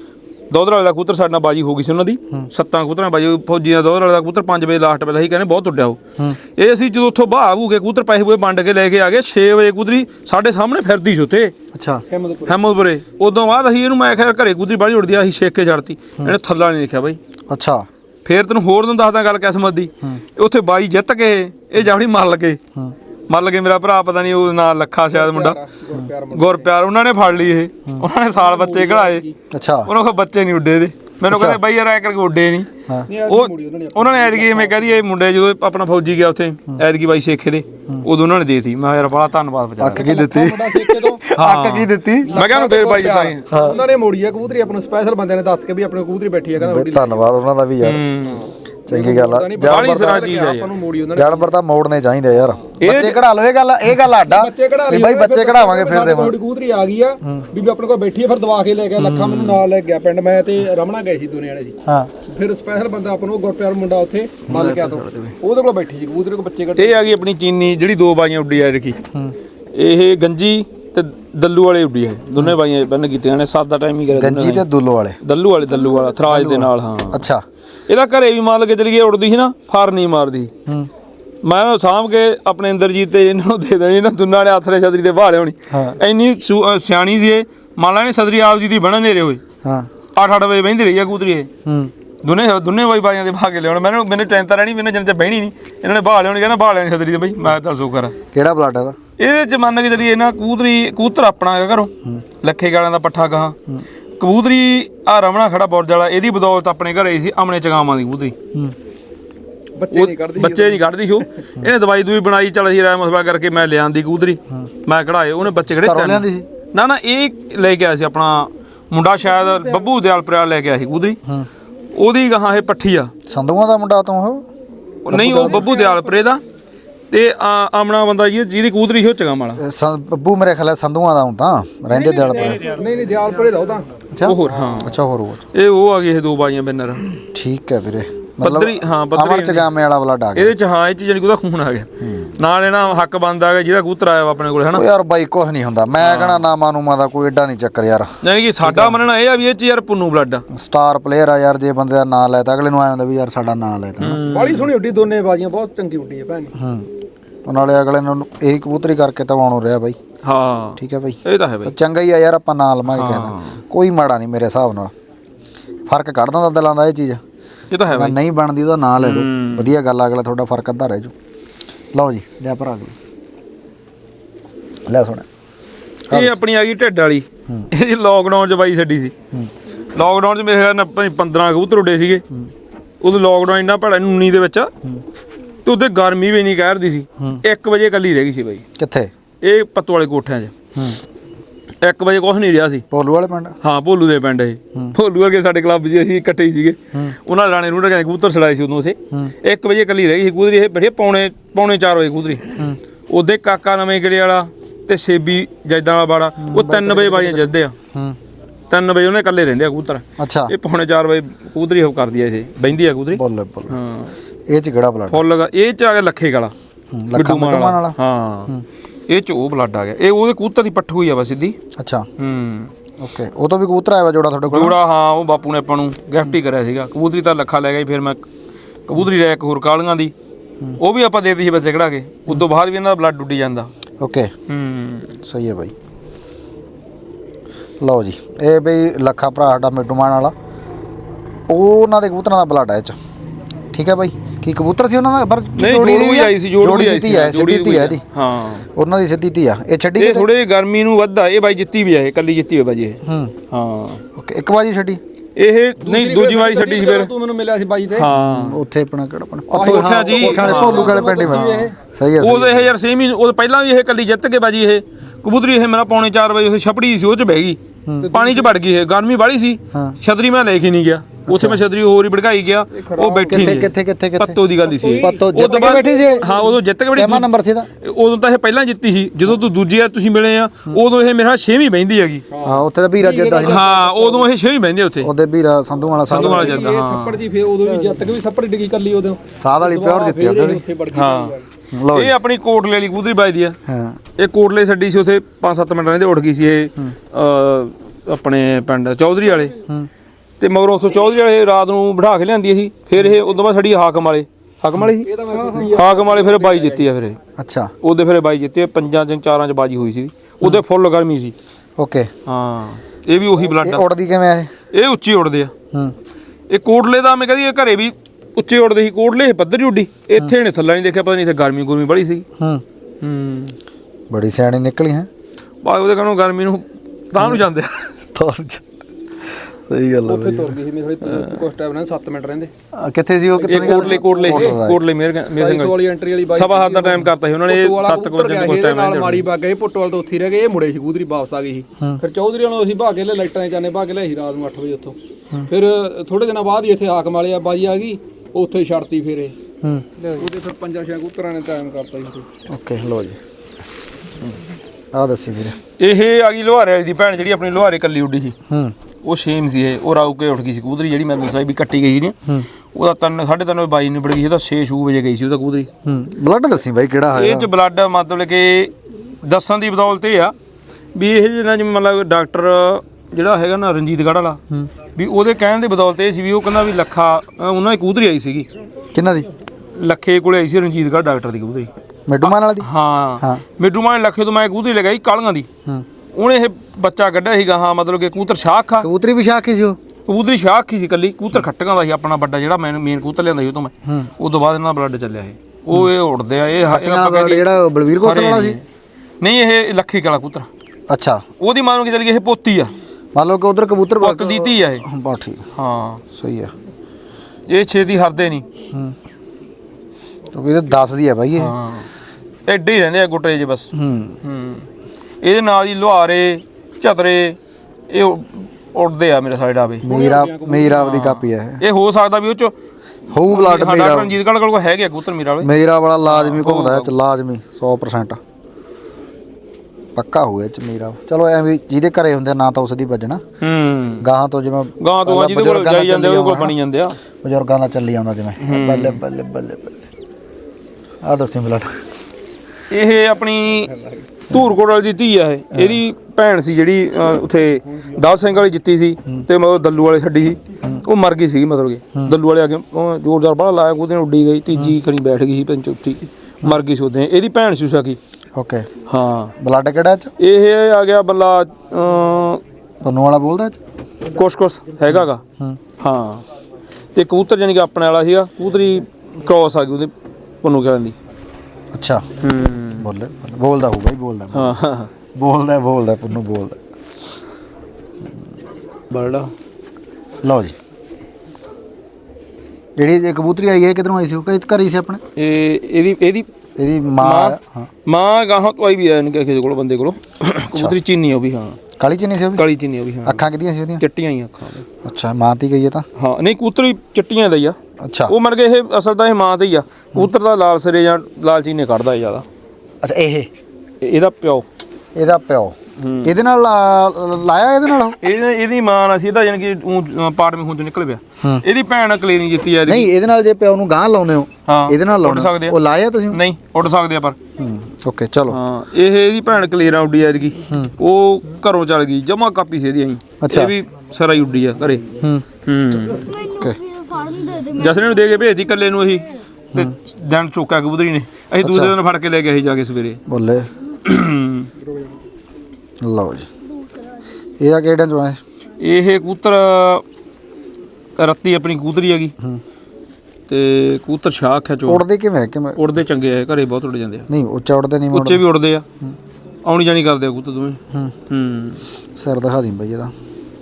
ਦੋਧਰ ਵਾਲੇ ਦਾ ਕਬੂਤਰ ਸਾਡੇ ਨਾਲ ਬਾਜੀ ਹੋ ਗਈ ਸੀ ਉਹਨਾਂ ਦੀ ਸੱਤਾਂ ਕਬੂਤਰਾਂ ਬਾਜੀ ਫੌਜੀ ਦਾ ਦੋਧਰ ਵਾਲੇ ਦਾ ਕਬੂਤਰ ਪੰਜ ਵਜੇ ਲਾਸਟ ਵੇਲੇ ਹੀ ਕਹਿੰਦੇ ਬਹੁਤ ਉੱਡਿਆ ਉਹ ਇਹ ਅਸੀਂ ਜਦੋਂ ਉੱਥੋਂ ਬਾਹ ਆਵੂਗੇ ਕਬੂਤਰ ਪੈਸੇ ਪੂਏ ਵੰਡ ਕੇ ਲੈ ਕੇ ਆ ਗਏ ਛੇ ਵਜੇ ਕਬੂਤਰੀ ਸਾਡੇ ਸਾਹਮਣੇ ਫਿਰਦੀ ਸੀ ਉੱਥੇ ਅੱਛਾ ਹੈਮਦਪੁਰੇ ਉਦੋਂ ਬਾਅਦ ਅਸੀਂ ਇਹਨੂੰ ਮੈਂ ਕਿਹਾ ਘਰੇ ਕਬੂਤਰੀ ਬਾਹਲੀ ਉੱਡਦੀ ਆ ਅਸੀਂ ਛੇਕ ਕੇ ਛੱਡਤੀ ਇਹਨੇ ਥੱਲਾ ਨਹੀਂ ਦੇਖਿਆ ਬਾਈ ਅੱਛਾ ਫੇਰ ਤੈਨੂੰ ਹੋਰ ਨੂੰ ਦੱਸਦਾ ਗੱਲ ਕਿਸਮਤ ਦੀ ਉੱਥੇ ਬਾਈ ਜਿੱਤ ਕੇ ਇਹ ਜਾਵੜੀ ਮੱਲ ਕੇ ਮੱਲ ਕੇ ਮੇਰਾ ਭਰਾ ਪਤਾ ਨਹੀਂ ਉਹ ਨਾਲ ਲੱਖਾ ਸ਼ਾਇਦ ਮੁੰਡਾ ਗੁਰਪਿਆਰ ਉਹਨਾਂ ਨੇ ਫੜ ਲਈ ਇਹ ਉਹਨਾਂ ਨੇ ਸਾਲ ਬੱਚੇ ਘੜਾਏ ਅੱਛਾ ਉਹਨਾਂ ਕੋਲ ਬੱਚੇ ਨਹੀਂ ਉੱਡੇ ਦੇ ਮੈਨੂੰ ਕਹਿੰਦੇ ਬਾਈ ਯਾਰ ਐ ਕਰਕੇ ਉੱਡੇ ਨਹੀਂ ਉਹ ਉਹਨਾਂ ਨੇ ਐਤਕੀ ਮੈਂ ਕਹਦੀ ਇਹ ਮੁੰਡੇ ਜਦੋਂ ਆਪਣਾ ਫੌਜੀ ਗਿਆ ਉੱਥੇ ਐਤਕੀ ਬਾਈ ਸੇਖੇ ਦੇ ਉਦੋਂ ਉਹਨਾਂ ਨੇ ਦੇਤੀ ਮੈਂ ਯਾਰ ਬੜਾ ਧੰਨਵਾਦ ਵਿਚਾਰਾ ਅੱਕ ਕੀ ਦਿੱਤੀ ਅੱਕ ਕੀ ਦਿੱਤੀ ਮੈਂ ਕਿਹਾ ਫੇਰ ਬਾਈ ਜਿਤਾਈ ਉਹਨਾਂ ਨੇ ਮੋੜੀ ਆ ਕਬੂਤਰੀ ਆਪਾਂ ਨੂੰ ਸਪੈਸ਼ਲ ਬੰਦਿਆਂ ਨੇ ਦੱਸ ਕੇ ਵੀ ਆਪਣੇ ਕਬੂਤਰੀ ਬੈਠੀ ਆ ਕਹਿੰਦਾ ਧੰਨਵਾਦ ਉਹਨਾਂ ਦਾ ਵੀ ਯਾਰ ਚੰਗੀ ਗੱਲ ਆ ਬਾਲੀ ਸਰਾ ਚੀਜ਼ ਆ ਆਪਾਂ ਨੂੰ ਮੋੜੀ ਉਹਨਾਂ ਜਾਨਵਰ ਤਾਂ ਮੋੜਨੇ ਚਾਹੀਦੇ ਯਾਰ ਬੱਚੇ ਕਢਾ ਲਓ ਇਹ ਗੱਲ ਇਹ ਗੱਲ ਆਡਾ ਵੀ ਬਾਈ ਬੱਚੇ ਕਢਾਵਾਂਗੇ ਫਿਰ ਦੇਵਾਂ ਕਬੂਤਰੀ ਆ ਗਈ ਆ ਵੀ ਆਪਣੇ ਕੋਲ ਬੈਠੀ ਆ ਫਿਰ ਦਵਾ ਕੇ ਲੈ ਗਿਆ ਲੱਖਾ ਮੈਨੂੰ ਨਾਲ ਲੈ ਗਿਆ ਪਿੰਡ ਮੈਂ ਤੇ ਰਮਣਾ ਗਏ ਸੀ ਦੋਨੇ ਵਾਲੇ ਸੀ ਹਾਂ ਫਿਰ ਸਪੈਸ਼ਲ ਬੰਦਾ ਆਪਾਂ ਨੂੰ ਗੁਰਪਿਆਰ ਮੁੰਡਾ ਉੱਥੇ ਮੱਲ ਕੇ ਆ ਤੋਂ ਉਹਦੇ ਕੋਲ ਬੈਠੀ ਸੀ ਕਬੂਤਰੀ ਕੋ ਬੱਚੇ ਇਹ ਆ ਗਈ ਆਪਣੀ ਚੀਨੀ ਜਿਹੜੀ ਦੋ ਬਾਈਆਂ ਉੱਡੀ ਆ ਰਖੀ ਇਹ ਗੰਜੀ ਤੇ ਦੱਲੂ ਵਾਲੇ ਉੱਡੀ ਹੈ ਦੋਨੇ ਬਾਈਆਂ ਬੰਨ ਕੀਤੀਆਂ ਨੇ ਸੱਤ ਦਾ ਟਾਈਮ ਹੀ ਕਰਿਆ ਗੰਜੀ ਤੇ ਦੁੱਲੋ ਵਾਲੇ ਦੱਲੂ ਵਾਲੇ ਦੱਲੂ ਵਾਲਾ ਥਰਾਜ ਦੇ ਨਾਲ ਹਾਂ ਅੱਛਾ ਇਹਦਾ ਘਰੇ ਵੀ ਮੰਨ ਕੇ ਚਲੀ ਗਈ ਉੱਡਦੀ ਸੀ ਨਾ ਫਰ ਨਹੀਂ ਮਾਰਦੀ ਮੈਂ ਉਹ ਸਾਂਭ ਕੇ ਆਪਣੇ ਇੰਦਰਜੀਤ ਤੇ ਇਹਨਾਂ ਨੂੰ ਦੇ ਦੇਣੀ ਨਾ ਦੁੰਨਾਂ ਨੇ ਆਥਰੇ ਛਤਰੀ ਤੇ ਬਾਹਲੇ ਹੋਣੀ ਇੰਨੀ ਸਿਆਣੀ ਸੀ ਇਹ ਮੰਨ ਲਾ ਨੇ ਸਦਰੀ ਆਪ ਜੀ ਦੀ ਬਣਾ ਨੇਰੇ ਹੋਏ ਹਾਂ ਅੱਠ ਅੱਠ ਵਜੇ ਬਹਿੰਦੀ ਰਹੀ ਆ ਕਬੂਤਰੀ ਇਹ ਹੂੰ ਦੋਨੇ ਦੋਨੇ ਬਾਈ ਬਾਈਆਂ ਦੇ ਭਾਗੇ ਲਿਆਉਣ ਮੈਨੂੰ ਮੈਨੂੰ ਟੈਂਤਾ ਰਹਿਣੀ ਮੈਨੂੰ ਜਨ ਚ ਬਹਿਣੀ ਨਹੀਂ ਇਹਨਾਂ ਨੇ ਬਾਹ ਲਿਆਉਣੀ ਕਹਿੰਦਾ ਬਾਹ ਲੈਣੀ ਛਤਰੀ ਤੇ ਬਈ ਮੈਂ ਤਾਂ ਸ਼ੁਕਰ ਆ ਕਿਹੜਾ ਬਲੱਡ ਇਹਦਾ ਇਹਦੇ ਚ ਮੰਨ ਕੇ ਚਲੀਏ ਨਾ ਕਬੂਤਰੀ ਕਬੂਤਰ ਆਪਣਾ ਹੈਗਾ ਘਰੋਂ ਲੱਖੇ ਗਾਲਾਂ ਦਾ ਪੱਠਾ ਗਾਹਾਂ ਕਬੂਤਰੀ ਆ ਰਮਣਾ ਖੜਾ ਬੁਰਜ ਵਾਲਾ ਇਹਦੀ ਬਦੌਲਤ ਆਪਣੇ ਘਰੇ ਹੀ ਸੀ ਆਪਣੇ ਚਗਾਵਾਂ ਦੀ ਕਬੂਤਰੀ ਬੱਚੇ ਨਹੀਂ ਕੱਢਦੀ ਬੱਚੇ ਨਹੀਂ ਕੱਢਦੀ ਸੀ ਉਹ ਇਹਨੇ ਦਵਾਈ ਦੂਈ ਬਣਾਈ ਚੱਲ ਸੀ ਰਾਇ ਮਸਲਾ ਕਰਕੇ ਮੈਂ ਲਿਆਂਦੀ ਕਬੂਤਰੀ ਮੈਂ ਕਢਾਏ ਉਹਨੇ ਬੱਚੇ ਕਿਹੜੇ ਲਿਆਂਦੀ ਸੀ ਨਾ ਨਾ ਇਹ ਲੈ ਕੇ ਆਇਆ ਸੀ ਆਪਣਾ ਮੁੰਡਾ ਸ਼ਾਇਦ ਬੱਬੂ ਦਿਆਲਪੁਰਾ ਲੈ ਕੇ ਆਇਆ ਸੀ ਕਬੂਤਰੀ ਉਹਦੀ ਗਾਹਾਂ ਇਹ ਪੱਠੀ ਆ ਸੰਧੂਆਂ ਦਾ ਮੁੰਡਾ ਤੋਂ ਉਹ ਨਹੀਂ ਉਹ ਬੱਬੂ ਦਿਆਲਪੁਰੇ ਦਾ ਤੇ ਆਮਣਾ ਬੰਦਾ ਜੀ ਜਿਹਦੀ ਕਬੂਤਰੀ ਸੀ ਉਹ ਚਗਾਂ ਵਾਲਾ ਬੱਬੂ ਮੇਰੇ ਖਿਆਲ ਸੰਧੂਆਂ ਦਾ ਹੁੰਦਾ ਰਹਿੰਦੇ ਦਿਆਲਪੁਰੇ ਨਹੀਂ ਨਹੀਂ ਦਿਆਲਪੁਰੇ ਦਾ ਉਹ ਤਾਂ ਅੱਛਾ ਹੋਰ ਹਾਂ ਅੱਛਾ ਹੋਰ ਇਹ ਉਹ ਆ ਗਏ ਇਹ ਦੋ ਬਾਈਆਂ ਬਿੰਨਰ ਠੀਕ ਹੈ ਵੀਰੇ ਬੱਦਰੀ ਹਾਂ ਅਮਰ ਚਗਾਮੇ ਵਾਲਾ ਬਲੱਡ ਆ ਗਿਆ ਇਹਦੇ ਚ ਹਾਂ ਇਹ ਚ ਜਾਨੀ ਉਹਦਾ ਖੂਨ ਆ ਗਿਆ ਨਾਲ ਇਹਨਾਂ ਹੱਕ ਬੰਦਾ ਆ ਗਿਆ ਜਿਹਦਾ ਕਬੂਤਰ ਆਇਆ ਆਪਣੇ ਕੋਲ ਹਨਾ ਯਾਰ ਬਾਈ ਕੁਝ ਨਹੀਂ ਹੁੰਦਾ ਮੈਂ ਕਹਣਾ ਨਾ ਮਾਨੂ ਮਾ ਦਾ ਕੋਈ ਏਡਾ ਨਹੀਂ ਚੱਕਰ ਯਾਰ ਯਾਨੀ ਕਿ ਸਾਡਾ ਮੰਨਣਾ ਇਹ ਆ ਵੀ ਇਹ ਚ ਯਾਰ ਪੁੰਨੂ ਬਲੱਡ ਆ ਸਟਾਰ ਪਲੇਅਰ ਆ ਯਾਰ ਜੇ ਬੰਦੇ ਦਾ ਨਾਂ ਲੈ ਤਾਂ ਅਗਲੇ ਨੂੰ ਆਇਆ ਹੁੰਦਾ ਵੀ ਯਾਰ ਸਾਡਾ ਨਾਂ ਲੈ ਤਾ ਬਾਲੀ ਸੋਹਣੀ ਉੱਡੀ ਦੋਨੇ ਬਾਜੀਆਂ ਬਹੁਤ ਚੰਗੀ ਉੱਡੀ ਹੈ ਭੈਣ ਹੂੰ ਉਹ ਨਾਲੇ ਅਗਲੇ ਨੂੰ ਇਹੀ ਕਬੂਤਰੀ ਕਰਕੇ ਤਾਂ ਆਉਣੋਂ ਰਿਹਾ ਬਾਈ ਹਾਂ ਠੀਕ ਹੈ ਬਾਈ ਇਹ ਤਾਂ ਹੈ ਬਾਈ ਚੰਗਾ ਹੀ ਆ ਯਾਰ ਆਪਾਂ ਨਾਲ ਲਵਾਂਗੇ ਕਹਿੰਦਾ ਕੋਈ ਮਾੜਾ ਨਹੀਂ ਮੇਰੇ ਹਿਸਾਬ ਨਾਲ ਫਰਕ ਕੱਢ ਦਿੰਦਾ ਦਿਲਾਂ ਦਾ ਇਹ ਚੀਜ਼ ਇਹ ਤਾਂ ਹੈ ਬਾਈ ਨਹੀਂ ਬਣਦੀ ਉਹਦਾ ਨਾਂ ਲੈ ਦੋ ਵਧੀਆ ਗੱਲ ਅਗਲਾ ਤੁਹਾਡਾ ਫਰਕ ਅੱਧਾ ਰਹਿ ਜੂ ਲਓ ਜੀ ਲੈ ਭਰਾ ਅਗਲੀ ਲੈ ਸੁਣ ਇਹ ਆਪਣੀ ਆ ਗਈ ਢਿੱਡ ਵਾਲੀ ਇਹ ਲੋਕਡਾਊਨ ਚ ਬਾਈ ਛੱਡੀ ਸੀ ਲੋਕਡਾਊਨ ਚ ਮੇਰੇ ਖਿਆਲ ਨਾਲ ਪੰਦਰਾਂ ਕਬੂਤਰ ਉੱਡੇ ਸੀਗੇ ਉਦੋਂ ਲੋਕਡਾਊਨ ਇੰਨਾ ਭੜਾ ਉੱਨੀ ਦੇ ਵਿੱਚ ਤੇ ਉੱਤੇ ਗਰਮੀ ਵੀ ਨਹੀਂ ਕਹਿਰਦੀ ਸੀ ਇੱਕ ਵਜੇ ਇਕੱਲੀ ਰਹਿ ਗਈ ਸੀ ਬਾਈ ਕਿੱਥੇ ਇਹ ਪੱਤੂ ਵਾਲੇ ਕੋਠਿਆਂ 'ਚ ਇੱਕ ਵਜੇ ਕੁਛ ਨਹੀਂ ਰਿਹਾ ਸੀ ਭੋਲੂ ਵਾਲੇ ਪਿੰਡ ਹਾਂ ਭੋਲੂ ਦੇ ਪਿੰਡ ਇਹ ਭੋਲੂ ਵਰਗੇ ਸਾਡੇ ਕਲੱਬ 'ਚ ਅਸੀਂ ਇਕੱਠੇ ਹੀ ਸੀਗੇ ਉਹਨਾਂ ਨੇ ਰਾਣੇ ਰੂਣੇ ਕਹਿੰਦੇ ਕਬੂਤਰ ਛੜਾਏ ਸੀ ਉਦੋਂ ਅਸੀਂ ਇੱਕ ਵਜੇ ਇਕੱਲੀ ਰਹਿ ਗਈ ਸੀ ਕਬੂਤਰੀ ਇਹ ਬੈਠੇ ਪੌਣੇ ਪੌਣੇ ਚਾਰ ਵਜੇ ਕਬੂਤਰੀ ਉਹਦੇ ਕਾਕਾ ਨਵੇਂ ਕਿਲੇ ਵਾਲਾ ਤੇ ਸੇਬੀ ਜੈਦਾਂ ਵਾਲਾ ਬਾੜਾ ਉਹ ਤਿੰਨ ਵਜੇ ਬਾਜੀਆਂ ਜਿੱਤਦੇ ਆ ਤਿੰਨ ਵਜੇ ਉਹਨੇ ਇਕੱਲੇ ਰਹਿੰਦੇ ਆ ਕਬੂਤਰ ਅੱਛਾ ਇਹ ਪੌਣੇ ਚਾਰ ਵਜੇ ਕਬੂਤਰੀ ਉਹ ਕਰਦੀ ਆ ਇਹ ਬਹਿੰਦੀ ਆ ਕਬੂਤਰੀ ਬੋਲੇ ਬੋਲੇ ਹਾਂ ਇਹ ਚ ਕਿਹੜਾ ਬਲੱਡ ਫੁੱਲ ਇਹ ਚ ਆ ਗਿਆ ਲੱਖੇ ਗਾਲਾ ਲੱਖਾ ਮਟਮਾਨ ਵਾਲਾ ਹਾਂ ਇਹ ਚ ਉਹ ਬਲੱਡ ਆ ਗਿਆ ਇਹ ਉਹਦੇ ਕਬੂਤਰ ਦੀ ਪੱਠੂ ਹੀ ਆ ਬਸ ਸਿੱਧੀ ਅੱਛਾ ਹੂੰ ਓਕੇ ਉਹ ਤੋਂ ਵੀ ਕਬੂਤਰ ਆਇਆ ਵਾ ਜੋੜਾ ਤੁਹਾਡੇ ਕੋਲ ਜੋੜਾ ਹਾਂ ਉਹ ਬਾਪੂ ਨੇ ਆਪਾਂ ਨੂੰ ਗਿਫਟ ਹੀ ਕਰਿਆ ਸੀਗਾ ਕਬੂਤਰੀ ਤਾਂ ਲੱਖਾ ਲੈ ਗਿਆ ਫਿਰ ਮੈਂ ਕਬੂਤਰੀ ਲੈ ਇੱਕ ਹੋਰ ਕਾਲੀਆਂ ਦੀ ਉਹ ਵੀ ਆਪਾਂ ਦੇ ਦਿੱਤੀ ਸੀ ਬੱਚੇ ਕਢਾ ਕੇ ਉਸ ਤੋਂ ਬਾਅਦ ਵੀ ਇਹਨਾਂ ਦਾ ਬਲੱਡ ਉੱਡੀ ਜਾਂਦਾ ਓਕੇ ਹੂੰ ਸਹੀ ਹੈ ਬਾਈ ਲਓ ਜੀ ਇਹ ਬਈ ਲੱਖਾ ਭਰਾ ਸਾਡਾ ਮਿੱਡੂਮਾਨ ਵਾਲਾ ਉਹਨਾਂ ਦੇ ਕਬੂਤਰਾਂ ਦਾ ਬਲੱਡ ਹੈ ਇਹ ਚ ਠੀਕ ਹੈ ਬਾਈ ਕੀ ਕਬੂਤਰ ਸੀ ਉਹਨਾਂ ਦਾ ਪਰ ਜੋੜੀ ਵੀ ਆਈ ਸੀ ਜੋੜੀ ਵੀ ਆਈ ਸੀ ਜੋੜੀ ਧੀ ਹੈ ਇਹਦੀ ਹਾਂ ਉਹਨਾਂ ਦੀ ਸਿੱਧੀ ਧੀ ਆ ਇਹ ਛੱਡੀ ਇਹ ਥੋੜੇ ਗਰਮੀ ਨੂੰ ਵੱਧਾ ਇਹ ਬਾਈ ਜਿੱਤੀ ਵੀ ਆ ਇਹ ਕੱਲੀ ਜਿੱਤੀ ਹੋਈ ਬਾਜੀ ਇਹ ਹੂੰ ਹਾਂ ਓਕੇ ਇੱਕ ਵਾਰੀ ਛੱਡੀ ਇਹ ਨਹੀਂ ਦੂਜੀ ਵਾਰੀ ਛੱਡੀ ਸੀ ਫਿਰ ਤੂੰ ਮੈਨੂੰ ਮਿਲਿਆ ਸੀ ਬਾਈ ਤੇ ਹਾਂ ਉੱਥੇ ਆਪਣਾ ਕਿਹੜਾ ਆਪਣਾ ਕੋਠਿਆਂ ਜੀ ਭੋਲੂ ਵਾਲੇ ਪਿੰਡ ਹੀ ਮੈਂ ਸਹੀ ਹੈ ਉਹ ਇਹ ਯਾਰ ਸੇਮ ਹੀ ਉਹ ਪਹਿਲਾਂ ਵੀ ਇਹ ਕੱਲੀ ਜਿੱਤ ਕੇ ਬਾਜੀ ਇਹ ਕਬੂਤਰੀ ਇਹ ਮੇਰਾ ਪੌਣੇ ਚਾਰ ਵਜੇ ਉਹ ਛਪੜੀ ਸੀ ਉਹ ਚ ਬਹਿ ਗਈ ਪਾਣੀ ਚ ਵੜ ਗਈ ਇਹ ਗਰਮੀ ਵਾਲੀ ਸੀ ਛਤਰੀ ਮੈਂ ਲੈ ਕੇ ਨਹੀਂ ਗਿਆ ਉੱਥੇ ਮੈਂ ਛਤਰੀ ਹੋਰ ਹੀ ਭੜਕਾਈ ਗਿਆ ਉਹ ਬੈਠੀ ਨਹੀਂ ਕਿੱਥੇ ਕਿੱਥੇ ਕਿੱਥੇ ਪੱਤੋ ਦੀ ਗੱਲ ਹੀ ਸੀ ਪੱਤੋ ਜਿੱਤ ਕੇ ਬੈਠੀ ਸੀ ਹਾਂ ਉਦੋਂ ਜਿੱਤ ਕੇ ਬੈਠੀ ਕਿੰਨਾ ਨੰਬਰ ਸੀ ਦਾ ਉਦੋਂ ਤਾਂ ਇਹ ਪਹਿਲਾਂ ਜਿੱਤੀ ਸੀ ਜਦੋਂ ਤੂੰ ਦੂਜੀ ਵਾਰ ਤੁਸੀਂ ਮਿਲੇ ਆ ਉਦੋਂ ਇਹ ਮੇਰਾ ਛੇਵੀਂ ਬਹਿੰਦੀ ਹੈਗੀ ਹਾਂ ਉੱਥੇ ਤਾਂ ਵੀਰਾ ਜਿੱਦਾ ਸੀ ਹਾਂ ਉਦੋਂ ਇਹ ਛੇਵੀਂ ਬਹਿੰਦੀ ਉੱਥੇ ਉਹਦੇ ਵੀਰਾ ਸੰਧੂ ਵਾਲਾ ਸੰਧੂ ਵਾਲਾ ਜਿੱਦਾ ਹਾਂ ਛੱਪੜ ਦੀ ਫੇ ਉਦੋਂ ਵੀ ਜਿੱਤ ਕੇ ਵੀ ਛੱਪੜ ਡਿੱਗੀ ਕੱਲੀ ਉਦੋਂ ਸਾਧ ਵਾਲੀ ਪਿਓਰ ਜਿੱਤੀ ਉਹਦੇ ਹਾਂ ਲਓ ਇਹ ਆਪਣੀ ਕੋਟਲੇ ਵਾਲੀ ਕਬੂਤਰੀ ਵੱਜਦੀ ਆ ਹਾਂ ਇਹ ਕੋਟਲੇ ਛੱਡੀ ਸੀ ਉੱਥੇ ਪੰਜ ਸੱਤ ਮਿੰਟ ਰਹਿੰਦੇ ਉੱਠ ਗਈ ਸੀ ਇਹ ਆਪਣੇ ਪਿੰਡ ਚੌਧਰੀ ਵਾਲੇ ਤੇ ਮਗਰੋਂ ਉੱਥੋਂ ਚੌਧਰੀ ਵਾਲੇ ਰਾਤ ਨੂੰ ਬਿਠਾ ਕੇ ਲਿਆਂਦੀ ਸੀ। ਫਿਰ ਇਹ ਉਦੋਂ ਬਾਅਦ ਸਾਡੀ ਹਾਕਮ ਵਾਲੇ ਹਾਕਮ ਵਾਲੇ ਸੀ ਹਾਕਮ ਵਾਲੇ ਫਿਰ ਬਾਈ ਜਿੱਤੀ ਆ। ਫਿਰ ਅੱਛਾ ਉਹਦੇ ਫਿਰ ਬਾਈ ਜਿੱਤੀ ਪੰਜਾਂ ਚ ਚਾਰਾਂ ਚ ਬਾਜੀ ਹੋਈ ਸੀ। ਉਹਦੇ ਫੁੱਲ ਗਰਮੀ ਸੀ। ਓਕੇ ਹਾਂ ਇਹ ਵੀ ਉਹੀ ਬਲੱਡ ਉੜਦੀ ਕਿਵੇਂ ਆ ਇਹ? ਇਹ ਉੱਚੀ ਉੜਦੇ ਆ। ਹੂੰ ਇਹ ਕੋਟਲੇ ਦਾ ਮੈਂ ਕਹਦੀ ਇਹ ਘਰੇ ਵੀ ਉੱਚੇ ਉੜਦੇ ਸੀ। ਕੋਟਲੇ ਪੱਧਰ ਹੀ ਉੱਡੀ, ਇੱਥੇ ਨੇ ਥੱਲਾ ਨਹੀਂ ਦੇਖਿਆ। ਪਤਾ ਨਹੀਂ ਇੱਥੇ ਗਰਮੀ ਗੁਰਮੀ ਬੜੀ ਸੀ। ਹੂੰ ਹੂੰ ਬੜੀ ਸਿਆਣੀ ਨਿਕਲੀ ਹੈ ਬਾਈ ਉਹਦੇ ਕਹਿੰਦੇ ਗਰਮੀ ਨੂੰ ਤਾਂ ਨੂੰ ਜਾਂਦੇ ਆ। ਸਹੀ ਗੱਲ ਉੱਥੇ ਤੁਰ ਗਈ ਸੀ ਮੇਰੇ ਥੋੜੀ ਕੁਛ ਟਾਈਮ ਨਾਲ ਸੱਤ ਮਿੰਟ ਰਹਿੰਦੇ। ਕਿੱਥੇ ਸੀ ਉਹ? ਇਹ ਕੋਟਲੇ ਕੋਟਲੇ ਕੋਟਲੇ ਮੇਰ ਮੇਰ ਸਿੰਘ ਵਾਲੀ ਐਂਟਰੀ ਵਾਲੀ ਬਾਈ ਸਵਾ ਹੱਥ ਦਾ ਟਾਈਮ ਕਰਤਾ ਸੀ ਉਹਨਾਂ ਨੇ। ਸੱਤ ਕੁ ਵਜੇ ਕੋਲ ਟਾਈਮ ਨਾਲ ਮਾੜੀ ਪਾ ਗਏ ਪੁੱਟਵਾਲ ਤੋਂ ਉੱਥੇ ਰਹਿ ਗਏ। ਇਹ ਮੁੜੇ ਸੀ ਕੂਦਰੀ ਵਾਪਸ ਆ ਗਈ ਸੀ। ਫਿਰ ਚੌਧਰੀ ਵਾਲੋਂ ਅਸੀਂ ਭਾਗੇ ਲੈ ਲਾਈਟਾਂ ਚਾਨੇ ਭਾਗੇ ਲੈ ਸੀ ਰਾਤ ਨੂੰ ਅੱਠ ਵਜੇ ਉੱਥੋਂ। ਫਿਰ ਥੋੜੇ ਦਿਨਾਂ ਬਾਅਦ ਹੀ ਇੱਥੇ ਹਾਕਮ ਵਾਲੇ ਆ ਬਾਈ ਆ ਗਈ ਉੱਥੇ ਛੱਡਤੀ ਫਿਰ ਇਹ। ਹੂੰ ਉਹਦੇ ਫਿਰ ਪੰਜਾਂ ਛੇ ਕਬੂਤਰਾਂ ਨੇ ਟਾਈਮ ਕਰਤਾ ਜੀ। ਓਕੇ ਲੋ ਜੀ ਆ ਦੱਸੀ ਵੀਰੇ। ਇਹ ਆ ਗਈ ਲੋਹਾਰੇ ਵਾਲੀ ਦੀ ਭੈਣ ਜਿਹੜੀ ਆਪਣੀ ਲੋਹਾਰੇ ਕੱਲੀ ਉੱਡੀ ਸੀ। ਹੂੰ ਉਹ ਸੇਮ ਸੀ ਇਹ। ਉਹ ਰਾਉ ਕੇ ਉੱਠ ਗਈ ਸੀ ਕਬੂਤਰੀ ਜਿਹੜੀ ਮੈਂ ਦੱਸਿਆ ਵੀ ਕੱਟੀ ਗਈ ਸੀ। ਹੂੰ ਉਹਦਾ ਤਿੰਨ ਸਾਢੇ ਤਿੰਨ ਵਜੇ ਬਾਈ ਨਿਬੜ ਗਈ ਸੀ। ਉਹਦਾ ਛੇ ਛੂ ਵਜੇ ਗਈ ਸੀ ਉਹਦਾ ਕਬੂਤਰੀ। ਹੂੰ ਬਲੱਡ ਦੱਸੀ ਬਾਈ ਕਿਹੜਾ ਇਹ ਹੋਇਆ? ਚ ਬਲੱਡ ਮਤਲਬ ਕਿ ਦੱਸਣ ਦੀ ਬਦੌਲਤ ਇਹ ਆ ਵੀ ਇਹ ਜਿਹੜਾ ਜਿਵੇਂ ਮਤਲਬ ਡਾਕਟਰ ਜਿਹੜਾ ਹੈਗਾ ਨਾ ਰਣਜੀਤ ਗੜ੍ਹ ਵਾਲਾ ਵੀ ਉਹਦੇ ਕਹਿਣ ਦੀ ਬਦੌਲਤ ਇਹ ਸੀ ਵੀ ਉਹ ਕਹਿੰਦਾ ਵੀ ਲੱਖਾ ਉਹਨਾਂ ਦੀ ਕਬੂਤਰੀ ਆਈ ਸੀਗੀ। ਕਿਹਨਾਂ ਦੀ? ਲੱਖੇ ਕੋਲੇ ਆਈ ਸੀ ਰਣਜੀਤ ਗੜ੍ਹ ਡਾਕਟਰ ਦੀ ਕਬੂਤਰੀ। ਮਿੱਡੂਮਾਨ ਵਾਲਾ ਦੀ? ਹਾਂ ਹਾਂ ਮਿੱਡੂ ਮਾਨ ਲੱਖੇ ਤੋਂ ਮੈਂ ਕਬੂਤਰੀ ਲਗਾਈ ਕਾਲੀਆਂ ਦੀ। ਹੂੰ ਉਹਨੇ ਇਹ ਬੱਚਾ ਕੱਢਿਆ ਸੀਗਾ। ਹਾਂ ਮਤਲਬ ਕਿ ਕਬੂਤਰ ਸ਼ਾਖ ਆ। ਕਬੂਤਰੀ ਵੀ ਸ਼ਾਖੀ ਸੀ ਉਹ? ਕਬੂਤਰੀ ਸ਼ਾਖ ਹੀ ਸੀ ਕੱਲੀ। ਕਬੂਤਰ ਖੱਟੀਆਂ ਦਾ ਸੀ ਆਪਣਾ ਵੱਡਾ ਜਿਹੜਾ ਮੈਂ ਮੇਨ ਕਬੂਤਰ ਲਿਆਂਦਾ ਸੀ ਉਹ ਤੋਂ ਮੈਂ। ਹੂੰ ਉਸ ਤੋਂ ਬਾਅਦ ਇਹਨਾਂ ਦਾ ਬਲੱਡ ਚੱਲਿਆ ਇਹ। ਉਹ ਇਹ ਉੜਦੇ ਆ ਇਹ ਜਿਹੜਾ ਬਲਵੀਰ ਕੋਸਲ ਵਾਲਾ ਸੀ? ਨਹੀਂ ਇਹ ਲੱਖੀ ਕਾਲਾ ਕਬੂਤਰ। ਅੱਛਾ ਉਹਦੀ ਮੰਨ ਕੇ ਚੱਲ ਗਈ ਇਹ ਪੋਤੀ ਆ। ਮੰਨ ਲਓ ਕਿ ਉਧਰ ਕਬੂਤਰ ਪੁੱਤ ਦੀ ਧੀ ਆ ਇਹ। ਬਹੁਤ ਠੀਕ ਹਾਂ ਸਹੀ ਆ। ਇਹ ਛੇਤੀ ਹਰਦੇ ਨਹੀਂ। ਹੂੰ ਕਿਉਂਕਿ ਇਹ ਦਸ ਦੀ ਆ ਬਾਈ ਇਹ। ਹਾਂ ਐਡੇ ਹੀ ਰਹਿੰਦੇ ਆ ਗੁੱਟੇ 'ਚ ਬਸ। ਹੂੰ ਹੂੰ ਇਹਦੇ ਨਾਲ ਹੀ ਲੁਹਾਰੇ ਝਤਰੇ ਇਹ ਉੱਡਦੇ ਆ ਮੇਰੇ ਸਾਈਡ ਆਵੇ। ਮੇਰਾ ਮੇਰਾ ਆਪਦੀ ਕਾਪੀ ਆ ਇਹ। ਇਹ ਹੋ ਸਕਦਾ ਵੀ ਉਹ ਚ ਹੋਊ ਬਲੱਡ ਹਾਂ ਮੇਰਾ। ਡਾਕਟਰ ਰਣਜੀਤ ਗੜ੍ਹ ਕੋਲ ਹੈਗੇ ਆ ਕਬੂਤਰ ਮੇਰਾ ਵਾਲੇ। ਮੇਰਾ ਵਾਲਾ ਲਾਜ਼ਮੀ ਘੁੰਮਦਾ ਇਹ ਚ ਲਾਜ਼ਮੀ ਸੌ ਪ੍ਰਸੈਂਟ ਪੱਕਾ ਹੋਇਆ ਚ ਮੇਰਾ। ਚਲੋ ਐਵੇਂ ਜਿਹਦੇ ਘਰੇ ਹੁੰਦੇ ਨਾ ਤਾਂ ਉਸ ਦੀ ਵੱਜਣਾ। ਹੂੰ ਗਾਹਾਂ ਤੋਂ ਜਿਵੇਂ ਗਾਂ ਤੋਂ ਜਿਹਦੇ ਕੋਲ ਜਾਈ ਜਾਂਦੇ ਉਹਦੇ ਕੋਲ ਬਣੀ ਜਾਂਦੇ ਆ। ਬਜ਼ੁਰਗਾਂ ਦਾ ਚੱਲੀ ਆਉਂਦਾ ਜਿਵੇਂ ਬੱਲੇ ਬੱਲੇ ਬੱਲੇ ਬੱਲੇ। ਆ ਦੱਸੀ ਬਲੱਡ। ਇਹ ਆਪਣੀ ਧੂਰਕੋਟ ਵਾਲੀ ਦੀ ਧੀ ਆ ਇਹ। ਇਹਦੀ ਭੈਣ ਸੀ ਜਿਹੜੀ ਉੱਥੇ ਦਾਸ ਸਿੰਘ ਵਾਲੀ ਜਿੱਤੀ ਸੀ ਤੇ ਮੈਂ ਦੱਲੂ ਵਾਲੇ ਛੱਡੀ ਸੀ। ਉਹ ਮਰ ਗਈ ਸੀ ਮਤਲਬ ਕਿ ਦੱਲੂ ਵਾਲੇ ਆ ਕੇ ਜ਼ੋਰਦਾਰ ਬੜਾ ਲਾਇਆ ਉਹਦੇ ਨਾਲ ਉੱਡੀ ਗਈ। ਤੀਜੀ ਕਰੀ ਬੈਠ ਗਈ ਸੀ ਪੰਜ ਚੌਥੀ ਮਰ ਗਈ ਸੀ ਉਹਦੇ। ਇਹਦੀ ਭੈਣ ਸੀ ਉਸਾ ਕੀ। ਓਕੇ ਹਾਂ ਬਲੱਡ ਕਿਹੜਾ ਚ? ਇਹ ਆ ਗਿਆ ਬੱਲਾ ਤੁਹਾਨੂੰ ਵਾਲਾ ਬੋਲਦਾ ਚ ਕੁਛ ਕੁਛ ਹੈਗਾਗਾ। ਹਾਂ ਤੇ ਕਬੂਤਰ ਜਾਨੀ ਕਿ ਆਪਣੇ ਵਾਲਾ ਸੀਗਾ। ਕਬੂਤਰੀ ਕ੍ਰੋਸ ਆ ਗਈ ਉਹਦੇ ਪੁੰਨੂ ਕਹਿਣ ਦੀ। ਅੱਛਾ ਹੂੰ ਬੋਲੇ ਬੋਲਦਾ ਹੋਊ ਬਾਈ ਬੋਲਦਾ। ਹਾਂ ਹਾਂ ਬੋਲਦਾ ਬੋਲਦਾ ਪੁੰਨੂ ਬੋਲਦਾ। ਬੜਾ ਲਓ ਜੀ ਜਿਹੜੀ ਇਹ ਕਬੂਤਰੀ ਆਈ ਹੈ ਕਿਧਰੋਂ ਆਈ ਸੀ? ਉਹ ਘਰ ਹੀ ਸੀ ਆਪਣੇ? ਇਹ ਇਹਦੀ ਇਹਦੀ ਇਹਦੀ ਮਾਂ? ਹਾਂ ਮਾਂ ਗਾਹਾਂ ਤੋਂ ਆਈ ਵੀ ਆ ਕਿਸੇ ਕੋਲ ਬੰਦੇ ਕੋਲੋਂ। ਕਬੂਤਰੀ ਚੀਨੀ ਉਹ ਵੀ। ਹਾਂ ਕਾਲੀ ਚੀਨੀ ਸੀ ਉਹ ਵੀ? ਕਾਲੀ ਚੀਨੀ ਉਹ ਵੀ। ਹਾਂ ਅੱਖਾਂ ਕਿਹਦੀਆਂ ਸੀ ਉਹਦੀਆਂ? ਚਿੱਟੀਆਂ ਹੀ ਅੱਖਾਂ। ਅੱਛਾ ਮਾਂ ਤੀ ਗਈ ਹੈ ਤਾਂ? ਹਾਂ ਨਹੀਂ ਕਬੂਤਰੀ ਚਿੱਟੀਆਂ ਦਾ ਹੀ ਆ। ਅੱਛਾ ਉਹ ਮਰ ਗਏ ਇਹ ਅਸਲ ਤਾਂ ਇਹ ਮਾਂ ਤੇ ਹੀ ਆ। ਕਬੂਤਰ ਦਾ ਲਾਲ ਸਿਰੇ ਜਾਂ ਲਾਲ ਚੀਨੇ ਕੱਢਦਾ ਹੈ ਜ਼ਿਆਦਾ। ਅੱਛਾ ਇਹ ਇਹਦਾ ਪਿਓ ਇਹਦਾ ਪਿਓ ਇਹਦੇ ਨਾਲ ਲਾਇਆ ਇਹਦੇ ਨਾਲ? ਇਹ ਇਹਦੀ ਮਾਂ ਨਾਲ ਸੀ ਇਹਦਾ ਜਾਨੀ ਕਿ ਉਹ ਪਾਰਟ ਮੇ ਖੂਨ ਚ ਨਿਕਲ ਪਿਆ। ਇਹਦੀ ਭੈਣ ਕਲੇਰੀ ਜਿੱਤੀ ਆ। ਨਹੀਂ ਇਹਦੇ ਨਾਲ ਜੇ ਪਿਓ ਨੂੰ ਗਾਂ ਲਾਉਂਦੇ ਹੋ ਇਹਦੇ ਨਾਲ ਉੱਡ ਸਕਦੇ ਆ। ਉਹ ਲਾਇਆ ਤੁਸੀਂ? ਨਹੀਂ ਉੱਡ ਸਕਦੇ ਆ ਪਰ। ਓਕੇ ਚਲੋ। ਹਾਂ ਇਹ ਇਹਦੀ ਭੈਣ ਕਲੇਰਾ ਉੱਡੀ ਆ ਇਹਦੀ। ਉਹ ਘਰੋਂ ਚਲ ਗਈ ਜਮਾ ਕਾਪੀ ਸੀ ਇਹਦੀ ਅਸੀਂ। ਇਹ ਵੀ ਸਾਰਾ ਹੀ ਉੱਡੀ ਆ ਘਰੇ। ਹੂੰ ਹੂੰ ਓਕੇ ਜਸਨੇ ਨੂੰ ਦੇ ਕੇ ਭੇਜਦੀ ਕੱਲੇ ਨੂੰ ਅਸੀਂ ਤੇ ਦਿਨ ਚੋਕਾ ਕਬੂਤਰੀ ਨੇ। ਅਸੀਂ ਦੂਜੇ ਦਿਨ ਫੜ ਕੇ ਲੈ ਗਏ ਸੀ ਜਾ ਕੇ ਸਵੇਰੇ। ਬੋਲੇ ਲਓ ਜੀ ਇਹਦਾ ਕਿਹੜਾ ਚੋਂ ਹੈ? ਇਹ ਕਬੂਤਰ ਰੱਤੀ ਆਪਣੀ ਕਬੂਤਰੀ ਹੈਗੀ ਤੇ ਕਬੂਤਰ ਸ਼ਾਖ ਹੈ ਚੋ। ਉੜਦੇ ਕਿਵੇਂ ਕਿਵੇਂ? ਉੜਦੇ ਚੰਗੇ ਆ ਘਰੇ ਬਹੁਤ ਉੱਡ ਜਾਂਦੇ ਆ। ਨਹੀਂ ਉੱਚਾ ਉੜਦੇ ਨਹੀਂ? ਉੱਚੇ ਵੀ ਉੜਦੇ ਆ। ਆਉਣੀ ਜਾਣੀ ਕਰਦੇ ਆ ਕਬੂਤਰ ਦੋਵੇਂ। ਹੂੰ ਹੂੰ ਸਿਰ ਦਿਖਾ ਦੀ ਬਈ ਇਹਦਾ।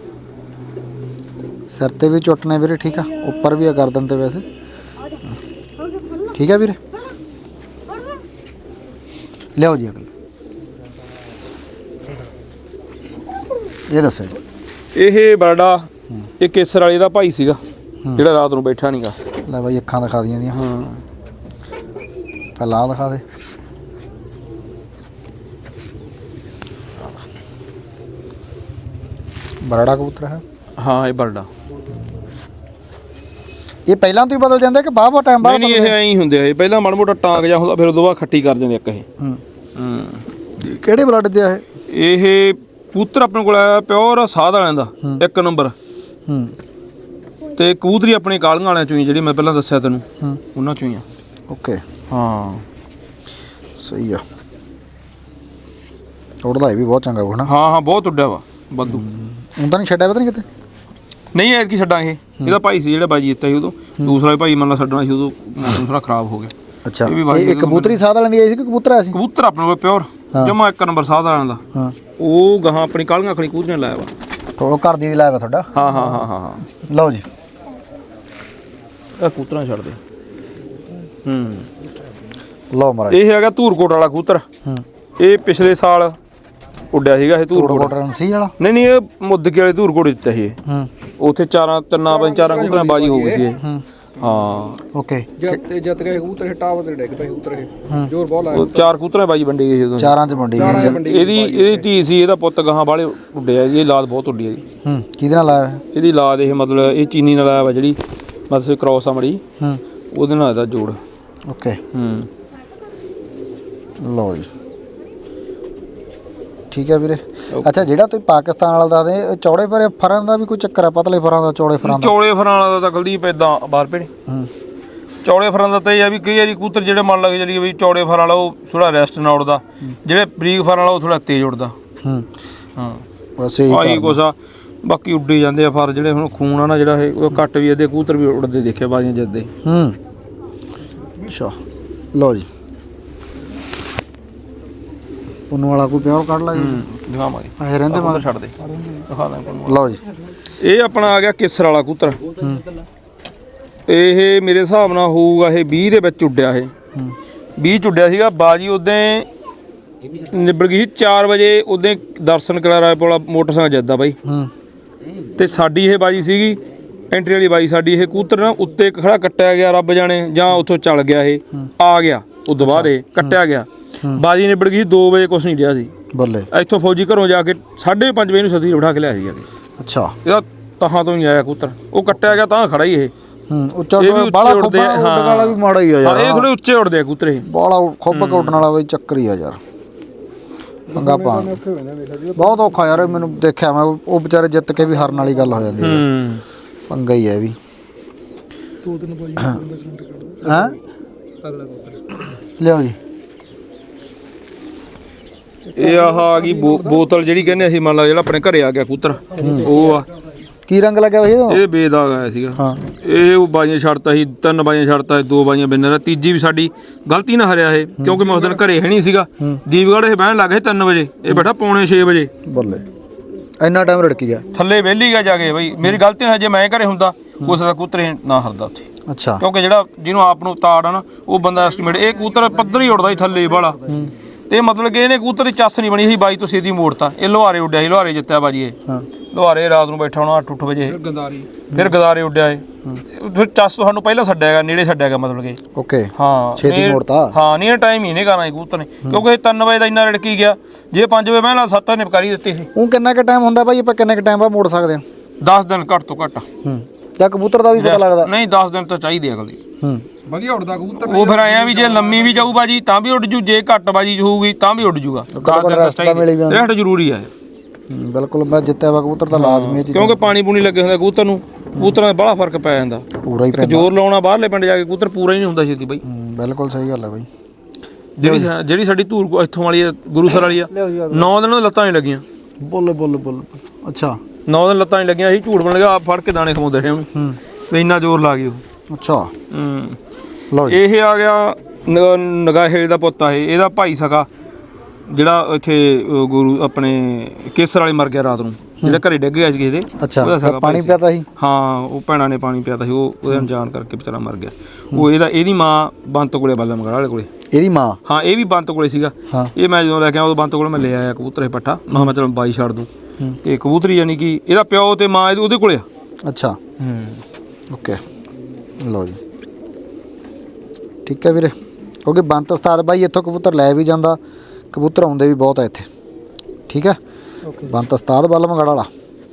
ਸਿਰ ਤੇ ਵੀ ਚੁੱਟਨੇ ਵੀਰੇ ਠੀਕ ਆ। ਉੱਪਰ ਵੀ ਆ ਗਰਦਨ ਤੇ ਵੈਸੇ ਠੀਕ ਆ ਵੀਰੇ। ਲਿਆਓ ਜੀ ਅਗਲੇ ਇਹ ਦੱਸੋ ਜੀ। ਇਹ ਬਰਡਾ ਇਹ ਕੇਸਰ ਵਾਲੇ ਦਾ ਭਾਈ ਸੀਗਾ ਜਿਹੜਾ ਰਾਤ ਨੂੰ ਬੈਠਾ ਨਹੀਂਗਾ। ਲੈ ਬਾਈ ਅੱਖਾਂ ਦਿਖਾ ਦੀਆਂ ਦੀਆਂ। ਹਾਂ ਪਹਿਲਾਂ ਆਹ ਦਿਖਾ ਦੇ। ਬਰੜਾ ਕਬੂਤਰ ਹੈ? ਹਾਂ ਇਹ ਬਰਡਾ। ਇਹ ਪਹਿਲਾਂ ਤੋਂ ਹੀ ਬਦਲ ਜਾਂਦਾ ਕਿ ਬਾਅਦ ਬਾਅਦ ਟਾਈਮ ਬਾਅਦ? ਨਹੀਂ ਨਹੀਂ ਇਹ ਐਂ ਹੀ ਹੁੰਦੇ ਆ। ਇਹ ਪਹਿਲਾਂ ਮਾੜਾ ਮੋਟਾ ਟਾਂਗ ਜਾ ਹੁੰਦਾ ਫਿਰ ਉਦੋਂ ਬਾਅਦ ਖੱਟੀ ਕਰ ਜਾਂਦੇ ਇੱਕ ਇਹ। ਹੂੰ ਹੂੰ ਕਿਹੜੇ ਬਲੱਡ ਦੇ ਆ ਇਹ? ਇਹ ਕਬੂਤਰ ਆਪਣੇ ਕੋਲ ਆਇਆ ਪਿਓਰ ਸਾਧ ਵਾਲਿਆਂ ਦਾ ਇੱਕ ਨੰਬਰ। ਹੂੰ ਤੇ ਕਬੂਤਰੀ ਆਪਣੀ ਕਾਲੀਆਂ ਵਾਲਿਆਂ ਚੋਂ ਹੀ ਜਿਹੜੀ ਮੈਂ ਪਹਿਲਾਂ ਦੱਸਿਆ ਤੈਨੂੰ ਉਹਨਾਂ ਚੋਂ ਹੀ ਆ। ਓਕੇ ਹਾਂ ਸਹੀ ਆ। ਉੱਡਦਾ ਇਹ ਵੀ ਬਹੁਤ ਚੰਗਾ ਹੋਣਾ। ਹਾਂ ਹਾਂ ਬਹੁਤ ਉੱਡਿਆ ਵਾ ਵਾਧੂ। ਹੁਣ ਤਾਂ ਨਹੀਂ ਛੱਡਿਆ ਪਤਾ ਨਹੀਂ ਕਿਤੇ। ਨਹੀਂ ਐਤਕੀ ਛੱਡਾਂ ਇਹ ਇਹਦਾ ਭਾਈ ਸੀ ਜਿਹੜਾ ਬਾਜੀ ਜਿੱਤਿਆ ਸੀ ਉਦੋਂ। ਦੂਸਰਾ ਵੀ ਭਾਈ ਮੰਨ ਲਾ ਛੱਡਣਾ ਸੀ ਉਦੋਂ ਮੌਸਮ ਥੋੜਾ ਖਰਾਬ ਹੋ ਗਿਆ। ਅੱਛਾ ਇਹ ਕਬੂਤਰੀ ਸਾਧ ਵਾਲਿਆਂ ਦੀ ਆਈ ਸੀ ਕਿ ਕਬੂਤਰ ਆਇਆ ਸੀ? ਕਬੂਤਰ ਆਪਣੇ ਕੋਲ ਪਿਓਰ ਜਮਾ ਇੱਕ ਨੰਬਰ ਸਾਧ ਵਾਲਿਆਂ ਦਾ। ਹਾਂ ਉਹ ਗਾਹਾਂ ਆਪਣੀ ਕਾਲੀਆਂ ਅੱਖਣੀ ਕਬੂਤਰੀਆਂ ਲਾਇਆ ਵਾ। ਥੋੜਾ ਘਰ ਦੀ ਲਾਇਆ ਵਾ ਤੁਹਾਡਾ? ਹਾਂ ਹਾਂ ਹਾਂ ਹਾਂ ਹਾਂ ਲਓ ਜੀ ਇਹ ਕਬੂਤਰਾਂ ਛੱਡ ਦੇ। ਹੂੰ ਲਓ ਮਹਾਰਾਜ ਇਹ ਹੈਗਾ ਧੂਰਕੋਟ ਵਾਲਾ ਕਬੂਤਰ। ਹੂੰ ਇਹ ਪਿਛਲੇ ਸਾਲ ਉੱਡਿਆ ਸੀਗਾ ਇਹ ਧੂਰਕੋਟ ਰਣਸੀ ਵਾਲਾ। ਨਹੀਂ ਨਹੀਂ ਇਹ ਮੁੱਦਕੇ ਵਾਲੇ ਧੂਰਕੋਟ ਦਿੱਤਾ ਸੀ ਇਹ। ਹੂੰ ਉੱਥੇ ਚਾਰਾਂ ਤਿੰਨਾਂ ਪੰਜ ਚਾਰਾਂ ਕਬੂਤਰਾਂ ਬਾਜੀ ਹੋ ਗਈ ਸੀ ਇਹ। ਹਾਂ ਓਕੇ ਜੱਤ ਜੱਤ ਗਏ ਕਬੂਤਰ ਟਾਵਰ ਤੇ ਡਿੱਗ ਪਏ ਕਬੂਤਰ ਇਹ ਜ਼ੋਰ ਬਹੁਤ ਲਾਇਆ। ਉਹ ਚਾਰ ਕਬੂਤਰਾਂ ਬਾਜੀ ਵੰਡੀ ਗਈ ਸੀ ਉਦੋਂ। ਚਾਰਾਂ ਚ ਵੰਡੀ ਗਈ। ਇਹਦੀ ਇਹਦੀ ਧੀ ਸੀ ਇਹਦਾ ਪੁੱਤ ਗਾਹਾਂ ਵਾਲੇ ਉੱਡਿਆ। ਇਹਦੀ ਲਾਦ ਬਹੁਤ ਉੱਡੀ ਇਹਦੀ। ਹੂੰ ਕਿਹਦੇ ਨਾਲ ਲਾਇਆ? ਇਹਦੀ ਲਾਦ ਇਹ ਮਤਲਬ ਇਹ ਚੀਨੀ ਨਾਲ ਆਇਆ ਵਾ ਜਿਹੜੀ ਮਤਲਬ ਕ੍ਰੋਸ ਆ ਮੜੀ ਹੂੰ ਉਹਦੇ ਨਾਲ ਇਹਦਾ ਜੋੜ। ਓਕੇ ਹੂੰ ਲਓ ਜੀ ਠੀਕ ਹੈ ਵੀਰੇ। ਅੱਛਾ ਜਿਹੜਾ ਤੁਸੀਂ ਪਾਕਿਸਤਾਨ ਵਾਲਾ ਦੱਸਦੇ ਚੌੜੇ ਫਰੇ ਫਰਾਂ ਦਾ ਵੀ ਕੋਈ ਚੱਕਰ ਆ? ਪਤਲੇ ਫਰਾਂ ਦਾ ਚੌੜੇ ਫਰਾਂ ਦਾ? ਚੌੜੇ ਫਰਾਂ ਵਾਲਾ ਤਾਂ ਕੁਲਦੀਪ ਇਦਾਂ ਬਾਹਰ ਭੇੜੇ। ਹੂੰ ਚੌੜੇ ਫਰਾਂ ਦਾ ਤਾਂ ਇਹ ਆ ਵੀ ਕਈ ਵਾਰੀ ਕਬੂਤਰ ਜਿਹੜੇ ਮੰਨ ਲੱਗ ਚਲੀਏ ਵੀ ਚੌੜੇ ਫਰਾਂ ਵਾਲਾ ਉਹ ਥੋੜਾ ਰੈਸਟ ਨਾਲ ਉੱਡਦਾ। ਜਿਹੜੇ ਬਰੀਕ ਫਰਾਂ ਵਾਲਾ ਉਹ ਥੋੜਾ ਤੇਜ਼ ਉੱਡਦਾ। ਹੂੰ ਹਾਂ ਬਸ ਇਹ ਆਹੀ ਕੁਛ ਆ। ਬਾਕੀ ਉੱਡੀ ਜਾਂਦੇ ਆ ਫਰ ਜਿਹੜੇ ਹੁਣ ਖੂਨ ਆ ਨਾ ਜਿਹੜਾ ਇਹ ਉਹ ਘੱਟ ਵੀ ਇਹਦੇ ਕਬੂਤਰ ਵੀ ਉੱਡਦੇ ਦੇਖੇ ਬਾਜ਼ੀਆਂ ਜਿੱਦੇ। ਹੂੰ ਅੱਛਾ ਲਓ ਜੀ ਉਹਨੂੰ ਵਾਲਾ ਕੋਈ ਪਿਓਰ ਕੱਢ ਲਾ ਜੀ। ਦਿਖਾਵਾਂਗੇ ਇਹ ਰਹਿੰਦੇ ਕਬੂਤਰ ਛੱਡ ਦੇ ਦਿਖਾ ਦਾਂ। ਲਓ ਜੀ ਇਹ ਆਪਣਾ ਆ ਗਿਆ ਕੇਸਰ ਵਾਲਾ ਕਬੂਤਰ। ਇਹ ਮੇਰੇ ਹਿਸਾਬ ਨਾਲ ਹੋਊਗਾ ਇਹ ਵੀਹ ਦੇ ਵਿੱਚ ਉੱਡਿਆ। ਇਹ ਵੀਹ ਚ ਉੱਡਿਆ ਸੀਗਾ ਬਾਜੀ। ਉਦੋਂ ਨਿਬੜ ਗਈ ਸੀ ਚਾਰ ਵਜੇ। ਉਦੋਂ ਦਰਸ਼ਨ ਕਰਾ ਰਾਏ ਪੋਲਾ ਮੋਟਰਸਾਈਕਲ ਜਿੱਦਾਂ ਬਾਈ। ਹੂੰ ਤੇ ਸਾਡੀ ਇਹ ਬਾਜੀ ਸੀਗੀ ਐਂਟਰੀ ਵਾਲੀ ਬਾਜੀ ਸਾਡੀ। ਇਹ ਕਬੂਤਰ ਨਾ ਉੱਤੇ ਇੱਕ ਖੜਾ ਕੱਟਿਆ ਗਿਆ ਰੱਬ ਜਾਣੇ ਜਾਂ ਉੱਥੋਂ ਚੱਲ ਗਿਆ ਇਹ ਆ ਗਿਆ। ਉਦੋਂ ਬਾਅਦ ਇਹ ਕੱਟਿਆ ਗਿਆ। ਬਾਜੀ ਨਿਬੜ ਗਈ ਦੋ ਵਜੇ ਕੁਛ ਨਹੀਂ ਰਿਹਾ ਸੀ। ਬੱਲੇ ਇੱਥੋਂ ਫੌਜੀ ਘਰੋਂ ਜਾ ਕੇ ਸਾਢੇ ਪੰਜ ਵਜੇ ਨੂੰ ਸਤੀ ਬਿਠਾ ਕੇ ਲਿਆ ਸੀ। ਅੱਛਾ ਇਹਦਾ ਤਹਾਂ ਤੋਂ ਨਹੀਂ ਆਇਆ ਕਬੂਤਰ। ਉਹ ਕੱਟਿਆ ਗਿਆ ਤਾਂ ਖੜਾ ਹੀ ਇਹ। ਹੂੰ ਉੱਚਾ ਬਾਲਾ ਖੋਬਾ ਉੱਡਣ ਵਾਲਾ ਵੀ ਮਾੜਾ ਹੀ ਆ ਯਾਰ। ਇਹ ਥੋੜੇ ਉੱਚੇ ਉੱਡਦੇ ਆ ਕਬੂਤਰ ਇਹ। ਬਾਲਾ ਖੋਬਾ ਉੱਡਣ ਵਾਲਾ ਬਈ ਚੱਕਰ ਹੀ ਆ ਯਾਰ। ਪੰਗਾ ਪਾ ਬਹੁਤ ਔਖਾ ਯਾਰ। ਮੈਨੂੰ ਦੇਖਿਆ ਮੈਂ ਉਹ ਵਿਚਾਰੇ ਜਿੱਤ ਕੇ ਵੀ ਹਾਰਨ ਵਾਲੀ ਗੱਲ ਹੋ ਜਾਂਦੀ ਹੈ। ਹੂੰ ਪੰਗਾ ਹੀ ਹੈ ਵੀ। ਹਾਂ ਲਿਆਓ ਜੀ ਇਹ ਆਹ ਆ ਗਈ ਬੋਤਲ ਜਿਹੜੀ ਕਹਿੰਦੇ ਅਸੀਂ ਮੰਨ ਲਾ ਜਿਹੜਾ ਆਪਣੇ ਘਰੇ ਆ ਗਿਆ ਕਬੂਤਰ ਉਹ ਆ। ਕੀ ਰੰਗ ਲੱਗਿਆ ਹੋਇਆ? ਇਹ ਬੇਦਾਗ ਆਇਆ ਸੀਗਾ। ਹਾਂ ਇਹ ਉਹ ਬਾਜੀਆਂ ਛੱਡਤਾ ਸੀ। ਤਿੰਨ ਬਾਜੀਆਂ ਛੱਡਤਾ ਸੀ। ਦੋ ਬਾਜੀਆਂ ਬਿੰਨਰ। ਤੀਜੀ ਵੀ ਸਾਡੀ ਗਲਤੀ ਨਾਲ ਹਰਿਆ ਇਹ ਕਿਉਂਕਿ ਮੈਂ ਉਸ ਦਿਨ ਘਰੇ ਹੈ ਨਹੀਂ ਸੀਗਾ। ਦੀਪਗੜ੍ਹ ਇਹ ਬਹਿਣ ਲੱਗ ਗਏ ਤਿੰਨ ਵਜੇ। ਇਹ ਬੈਠਾ ਪੌਣੇ ਛੇ ਵਜੇ। ਬੱਲੇ ਇੰਨਾ ਟਾਈਮ ਰੜਕੀ ਗਿਆ ਥੱਲੇ ਵਿਹਲੀ ਗਿਆ ਜਾ ਕੇ ਬਈ। ਮੇਰੀ ਗਲਤੀ ਨਾਲ ਜੇ ਮੈਂ ਘਰੇ ਹੁੰਦਾ ਉਸ ਦਾ ਕਬੂਤਰ ਨਾ ਹਰਦਾ ਉੱਥੇ। ਅੱਛਾ ਕਿਉਂਕਿ ਜਿਹੜਾ ਜਿਹਨੂੰ ਆਪ ਨੂੰ ਤਾੜ ਆ ਨਾ ਉਹ ਬੰਦਾ ਐਸਟੀਮੇਟ ਇਹ ਕਬੂਤਰ ਪੱਧਰ ਹੀ ਉੱਡਦਾ ਸੀ ਥੱਲੇ ਵਾਲਾ। ਤੇ ਮਤਲਬ ਕਿ ਇਹਨੇ ਕਬੂਤਰ ਦੀ ਚੱਸ ਨਹੀਂ ਬਣੀ ਸੀ ਬਾਈ ਤੋਂ ਸਿੱਧੀ ਮੋੜਤਾ। ਇਹ ਲੋਹਾਰੇ ਉੱਡਿਆ ਸੀ। ਲੋਹਾਰੇ ਜਿੱਤਿਆ ਬਾਜੀ ਇਹ। ਹਾਂ ਲੋਹਾਰੇ ਰਾਤ ਨੂੰ ਬੈਠਾ ਹੋਣਾ ਅੱਠ ਅੱਠ ਵਜੇ। ਗੰਦਾਰੀ ਫਿਰ ਗਦਾਰੇ ਉੱਡਿਆ ਇਹ। ਫਿਰ ਚੱਸ ਤੁਹਾਨੂੰ ਪਹਿਲਾਂ ਛੱਡਿਆਗਾ ਨੇੜੇ ਛੱਡਿਆਗਾ ਮਤਲਬ ਕਿ। ਓਕੇ ਹਾਂ ਛੇਤੀ ਮੋੜਤਾ। ਹਾਂ ਨਹੀਂ ਟਾਈਮ ਹੀ ਨਹੀਂ ਕਰਨਾ ਕਬੂਤਰ ਨੇ ਕਿਉਂਕਿ ਇਹ ਤਿੰਨ ਵਜੇ ਦਾ ਇੰਨਾ ਰੜਕੀ ਗਿਆ। ਜੇ ਪੰਜ ਵਜੇ ਮੈਂ ਲਾ ਸੱਤ ਵਜੇ ਨਿਪਕਾਰੀ ਦਿੱਤੀ ਸੀ। ਉਹ ਕਿੰਨਾ ਕੁ ਟਾਈਮ ਹੁੰਦਾ ਭਾਈ? ਆਪਾਂ ਕਿੰਨੇ ਕੁ ਟਾਈਮ ਬਾਅਦ ਮੋੜ ਸਕਦੇ ਹਾਂ? ਦਸ ਦਿਨ ਘੱਟ ਤੋਂ ਘੱਟ। ਹੂੰ ਜਾਂ ਕਬੂਤਰ ਦਾ ਵੀ ਪਤਾ ਲੱਗਦਾ? ਨਹੀਂ ਦਸ ਦਿਨ ਤਾਂ ਚਾਹੀਦੇ ਅਗਲੀ। ਹੂੰ ਵਧੀਆ ਉੱਡਦਾ ਕਬੂਤਰ। ਉਹ ਫਿਰ ਆਇਆ ਵੀ ਜੇ ਲੰਮੀ ਵੀ ਜਾਊ ਬਾਜੀ ਤਾਂ ਵੀ ਉੱਡ ਜੂ। ਜੇ ਘੱਟ ਬਾਜੀ ਹੋਊਗੀ ਤਾਂ ਵੀ ਉੱਡ ਜੂਗਾ। ਰੈਸਟ ਜ਼ਰੂਰੀ ਆ। ਬਿਲਕੁਲ ਮੈਂ ਜਿੱਤਿਆ ਵਾ ਕਬੂਤਰ ਤਾਂ ਲਾਜ਼ਮੀ ਹੈ ਕਿਉਂਕਿ ਪਾਣੀ ਪੂਣੀ ਲੱਗੇ ਹੁੰਦਾ ਕਬੂਤਰ ਨੂੰ। ਕਬੂਤਰਾਂ ਦਾ ਬੜਾ ਫਰਕ ਪੈ ਜਾਂਦਾ। ਪੂਰਾ ਹੀ ਪੈਂਦਾ। ਜ਼ੋਰ ਲਾਉਣਾ ਬਾਹਰਲੇ ਪਿੰਡ ਜਾ ਕੇ ਕਬੂਤਰ ਪੂਰਾ ਹੀ ਨਹੀਂ ਹੁੰਦਾ ਛੇਤੀ ਬਾਈ। ਬਿਲਕੁਲ ਸਹੀ ਗੱਲ ਹੈ ਬਾਈ। ਜਿਹੜੀ ਜਿਹੜੀ ਸਾਡੀ ਧੂਰ ਇੱਥੋਂ ਵਾਲੀ ਆ ਗੁਰੂਸਰ ਵਾਲੀ ਆ ਨੌ ਦਿਨ ਲੱਤਾਂ ਨਹੀਂ ਲੱਗੀਆਂ। ਬੋਲੇ ਬੋਲੇ ਬੋਲੇ ਅੱਛਾ ਨੌ ਦਿਨ ਲੱਤਾਂ ਨਹੀਂ ਲੱਗੀਆਂ। ਅਸੀਂ ਝੂਠ ਬਣ ਗਿਆ ਆਪ ਫੜ ਕੇ ਦਾਣੇ ਖਵਾਉਂਦੇ ਰਹੇ ਉਹਨੂੰ। ਹੂੰ ਤੇ ਇੰਨਾ ਜ਼ੋਰ ਲਾ ਗਈ ਉਹ। ਅੱਛਾ ਹੂੰ ਲਓ ਜੀ ਇਹ ਆ ਗਿਆ ਨਗਾਹੇ ਦਾ ਪੁੱਤ ਆ ਇਹ। ਇਹਦਾ ਭਾਈ ਸਕਾ ਜਿਹੜਾ ਇੱਥੇ ਗੁਰੂ ਆਪਣੇ ਕੇਸਰ ਵਾਲੇ ਮਰ ਗਿਆ ਰਾਤ ਨੂੰ ਜਿਹੜਾ ਘਰੇ ਡਿੱਗ ਗਿਆ ਸੀ ਕਿਸੇ ਦੇ। ਅੱਛਾ ਪਾਣੀ ਪਿਆਤਾ ਸੀ? ਹਾਂ ਉਹ ਭੈਣਾਂ ਨੇ ਪਾਣੀ ਪਿਆਤਾ ਸੀ। ਉਹ ਉਹਦੇ ਅਣਜਾਣ ਕਰਕੇ ਵਿਚਾਰਾ ਮਰ ਗਿਆ। ਉਹ ਇਹਦਾ ਇਹਦੀ ਮਾਂ ਬੰਤ ਕੋਲੇ ਬਾਲਾ ਮਗੜ ਵਾਲੇ ਕੋਲੇ। ਇਹਦੀ ਮਾਂ? ਹਾਂ ਇਹ ਵੀ ਬੰਤ ਕੋਲੇ ਸੀਗਾ। ਇਹ ਮੈਂ ਜਦੋਂ ਲੈ ਕੇ ਆਇਆ ਉਦੋਂ ਬੰਤ ਕੋਲੇ ਮੈਂ ਲੈ ਆਇਆ ਕਬੂਤਰ ਇਹ ਪੱਠਾ। ਮੈਂ ਮੈਂ ਚਲ ਬਾਈ ਛੱਡ ਦੂੰ। ਤੇ ਕਬੂਤਰੀ ਯਾਨੀ ਕਿ ਇਹਦਾ ਪਿਓ ਤੇ ਮਾਂ ਉਹਦੇ ਕੋਲੇ ਆ। ਅੱਛਾ ਹੂੰ ਓਕੇ ਲਓ ਜੀ ਠੀਕ ਹੈ ਵੀਰੇ। ਕਿਉਂਕਿ ਬੰਤ ਉਸਤਾਦ ਬਾਈ ਇੱਥੋਂ ਕਬੂਤਰ ਲੈ ਵੀ ਜਾਂਦਾ। ਕਬੂਤਰ ਆਉਂਦੇ ਵੀ ਬਹੁਤ ਆ ਇੱਥੇ। ਠੀਕ ਹੈ ਬੰਤ ਉਸਤਾਦ ਬੱਲ ਮਗੜ ਵਾਲਾ